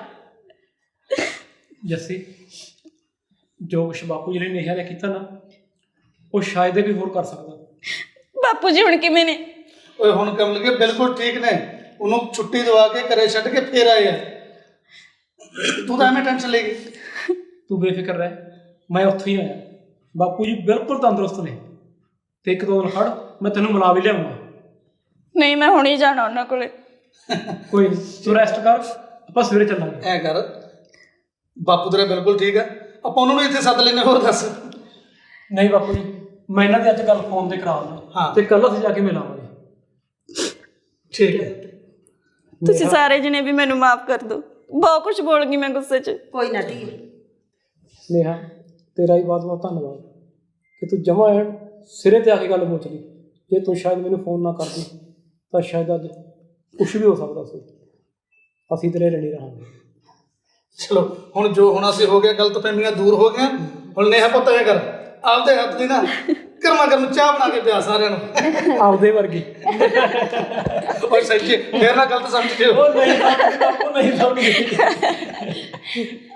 Speaker 1: ਜੱਸੀ, ਜੋ ਕੁਛ ਬਾਪੂ ਜੀ ਨੇ ਨੇਹਾ ਨੇ ਕੀਤਾ ਨਾ, ਉਹ ਸ਼ਾਇਦ ਇਹ ਵੀ ਹੋਰ ਕਰ ਸਕਦਾ।
Speaker 2: ਬਾਪੂ ਜੀ ਹੁਣ ਕਿਵੇਂ ਨੇ?
Speaker 3: ਓਏ ਹੁਣ ਕਮਲ ਕੇ ਬਿਲਕੁਲ ਠੀਕ ਨੇ। ਉਹਨੂੰ ਛੁੱਟੀ ਦਵਾ ਕੇ ਘਰੇ ਛੱਡ ਕੇ ਫੇਰ ਆਏ ਆ। ਤੂੰ ਤਾਂ ਐਵੇਂ ਟੈਨਸ਼ਨ ਲੈ ਗਈ।
Speaker 1: ਤੂੰ ਬੇਫਿਕਰ ਰਹਿ, ਮੈਂ ਉੱਥੋਂ ਹੀ ਆਇਆ। ਬਾਪੂ ਜੀ ਬਿਲਕੁਲ ਤੰਦਰੁਸਤ ਨੇ ਤੇ ਇੱਕ ਦੋ ਦਿਨ ਖੜ, ਮੈਂ ਤੈਨੂੰ ਮਿਲਾ ਵੀ ਲਿਆਉਂਗਾ।
Speaker 2: ਨਹੀਂ, ਮੈਂ ਹੁਣੇ ਜਾਣਾ ਉਹਨਾਂ ਕੋਲੇ।
Speaker 1: ਕੋਈ ਨਹੀਂ, ਤੂੰ ਰੈਸਟ ਕਰ, ਆਪਾਂ ਸਵੇਰੇ ਚੱਲਾਂਗੇ।
Speaker 3: ਐ ਕਰ, ਬਾਪੂ ਤੇਰਾ ਬਿਲਕੁਲ ਠੀਕ ਆ, ਆਪਾਂ ਉਹਨਾਂ ਨੂੰ ਇੱਥੇ ਸੱਦ ਲੈਨੇ। ਹੋਰ ਦੱਸ।
Speaker 1: ਨਹੀਂ ਬਾਪੂ ਜੀ, ਮੈਂ ਇਹਨਾਂ ਦੀ ਅੱਜ ਗੱਲ ਫੋਨ ਤੇ ਕਰਾ ਦਿੰਦਾ
Speaker 3: ਹਾਂ।
Speaker 1: ਤੇ ਕੱਲ ਅਸੀਂ ਜਾ ਕੇ ਮਿਲਾਂਗੇ।
Speaker 3: ਠੀਕ ਹੈ।
Speaker 2: ਤੁਸੀਂ ਸਾਰੇ ਜਣੇ ਵੀ ਮੈਨੂੰ ਮਾਫ ਕਰ ਦਿਓ। ਬਹੁਤ ਕੁਝ ਬੋਲ ਗਈ ਮੈਂ ਗੁੱਸੇ 'ਚ।
Speaker 4: ਕੋਈ ਨਾ ਧੀਏ,
Speaker 1: ਨੇਹਾ, ਤੇਰਾ ਹੀ ਬਹੁਤ ਬਹੁਤ ਧੰਨਵਾਦ ਕਿ ਤੂੰ ਜਮਾ ਐਨ ਸਿਰੇ ਤੇ ਆ ਕੇ ਗੱਲ ਪੁੱਛ ਲਈ। ਜੇ ਤੂੰ ਸ਼ਾਇਦ ਮੈਨੂੰ ਫੋਨ ਨਾ ਕਰਦੀ ਤਾਂ ਸ਼ਾਇਦ ਅੱਜ ਕੁਛ ਵੀ ਹੋ ਸਕਦਾ ਸੀ। ਅਸੀਂ ਤੇਰੇ ਰਣੀ ਰਹਾਂਗੇ।
Speaker 3: ਚਲੋ ਹੁਣ ਜੋ ਹੋਣਾ ਸੀ ਹੋ ਗਿਆ, ਗਲਤਫਹਿਮੀਆਂ ਦੂਰ ਹੋ ਗਈਆਂ। ਹੁਣ ਨੇਹਾ ਪੁੱਤ ਐ ਕਰ, ਆਪਦੇ ਹੱਥ ਦੀ ਨਾ ਗਰਮਾ ਗਰਮ ਚਾਹ ਬਣਾ ਕੇ ਪਿਆ ਸਾਰਿਆਂ ਨੂੰ।
Speaker 1: ਆਪਦੇ ਵਰਗੀ।
Speaker 3: ਓਏ ਸੱਚੀ ਫੇਰ ਨਾ ਗਲਤ ਸਮਝ ਜਿਓ।
Speaker 1: ਉਹ ਨਹੀਂ ਬਾਪੂ, ਨਹੀਂ ਸਮਝੀ।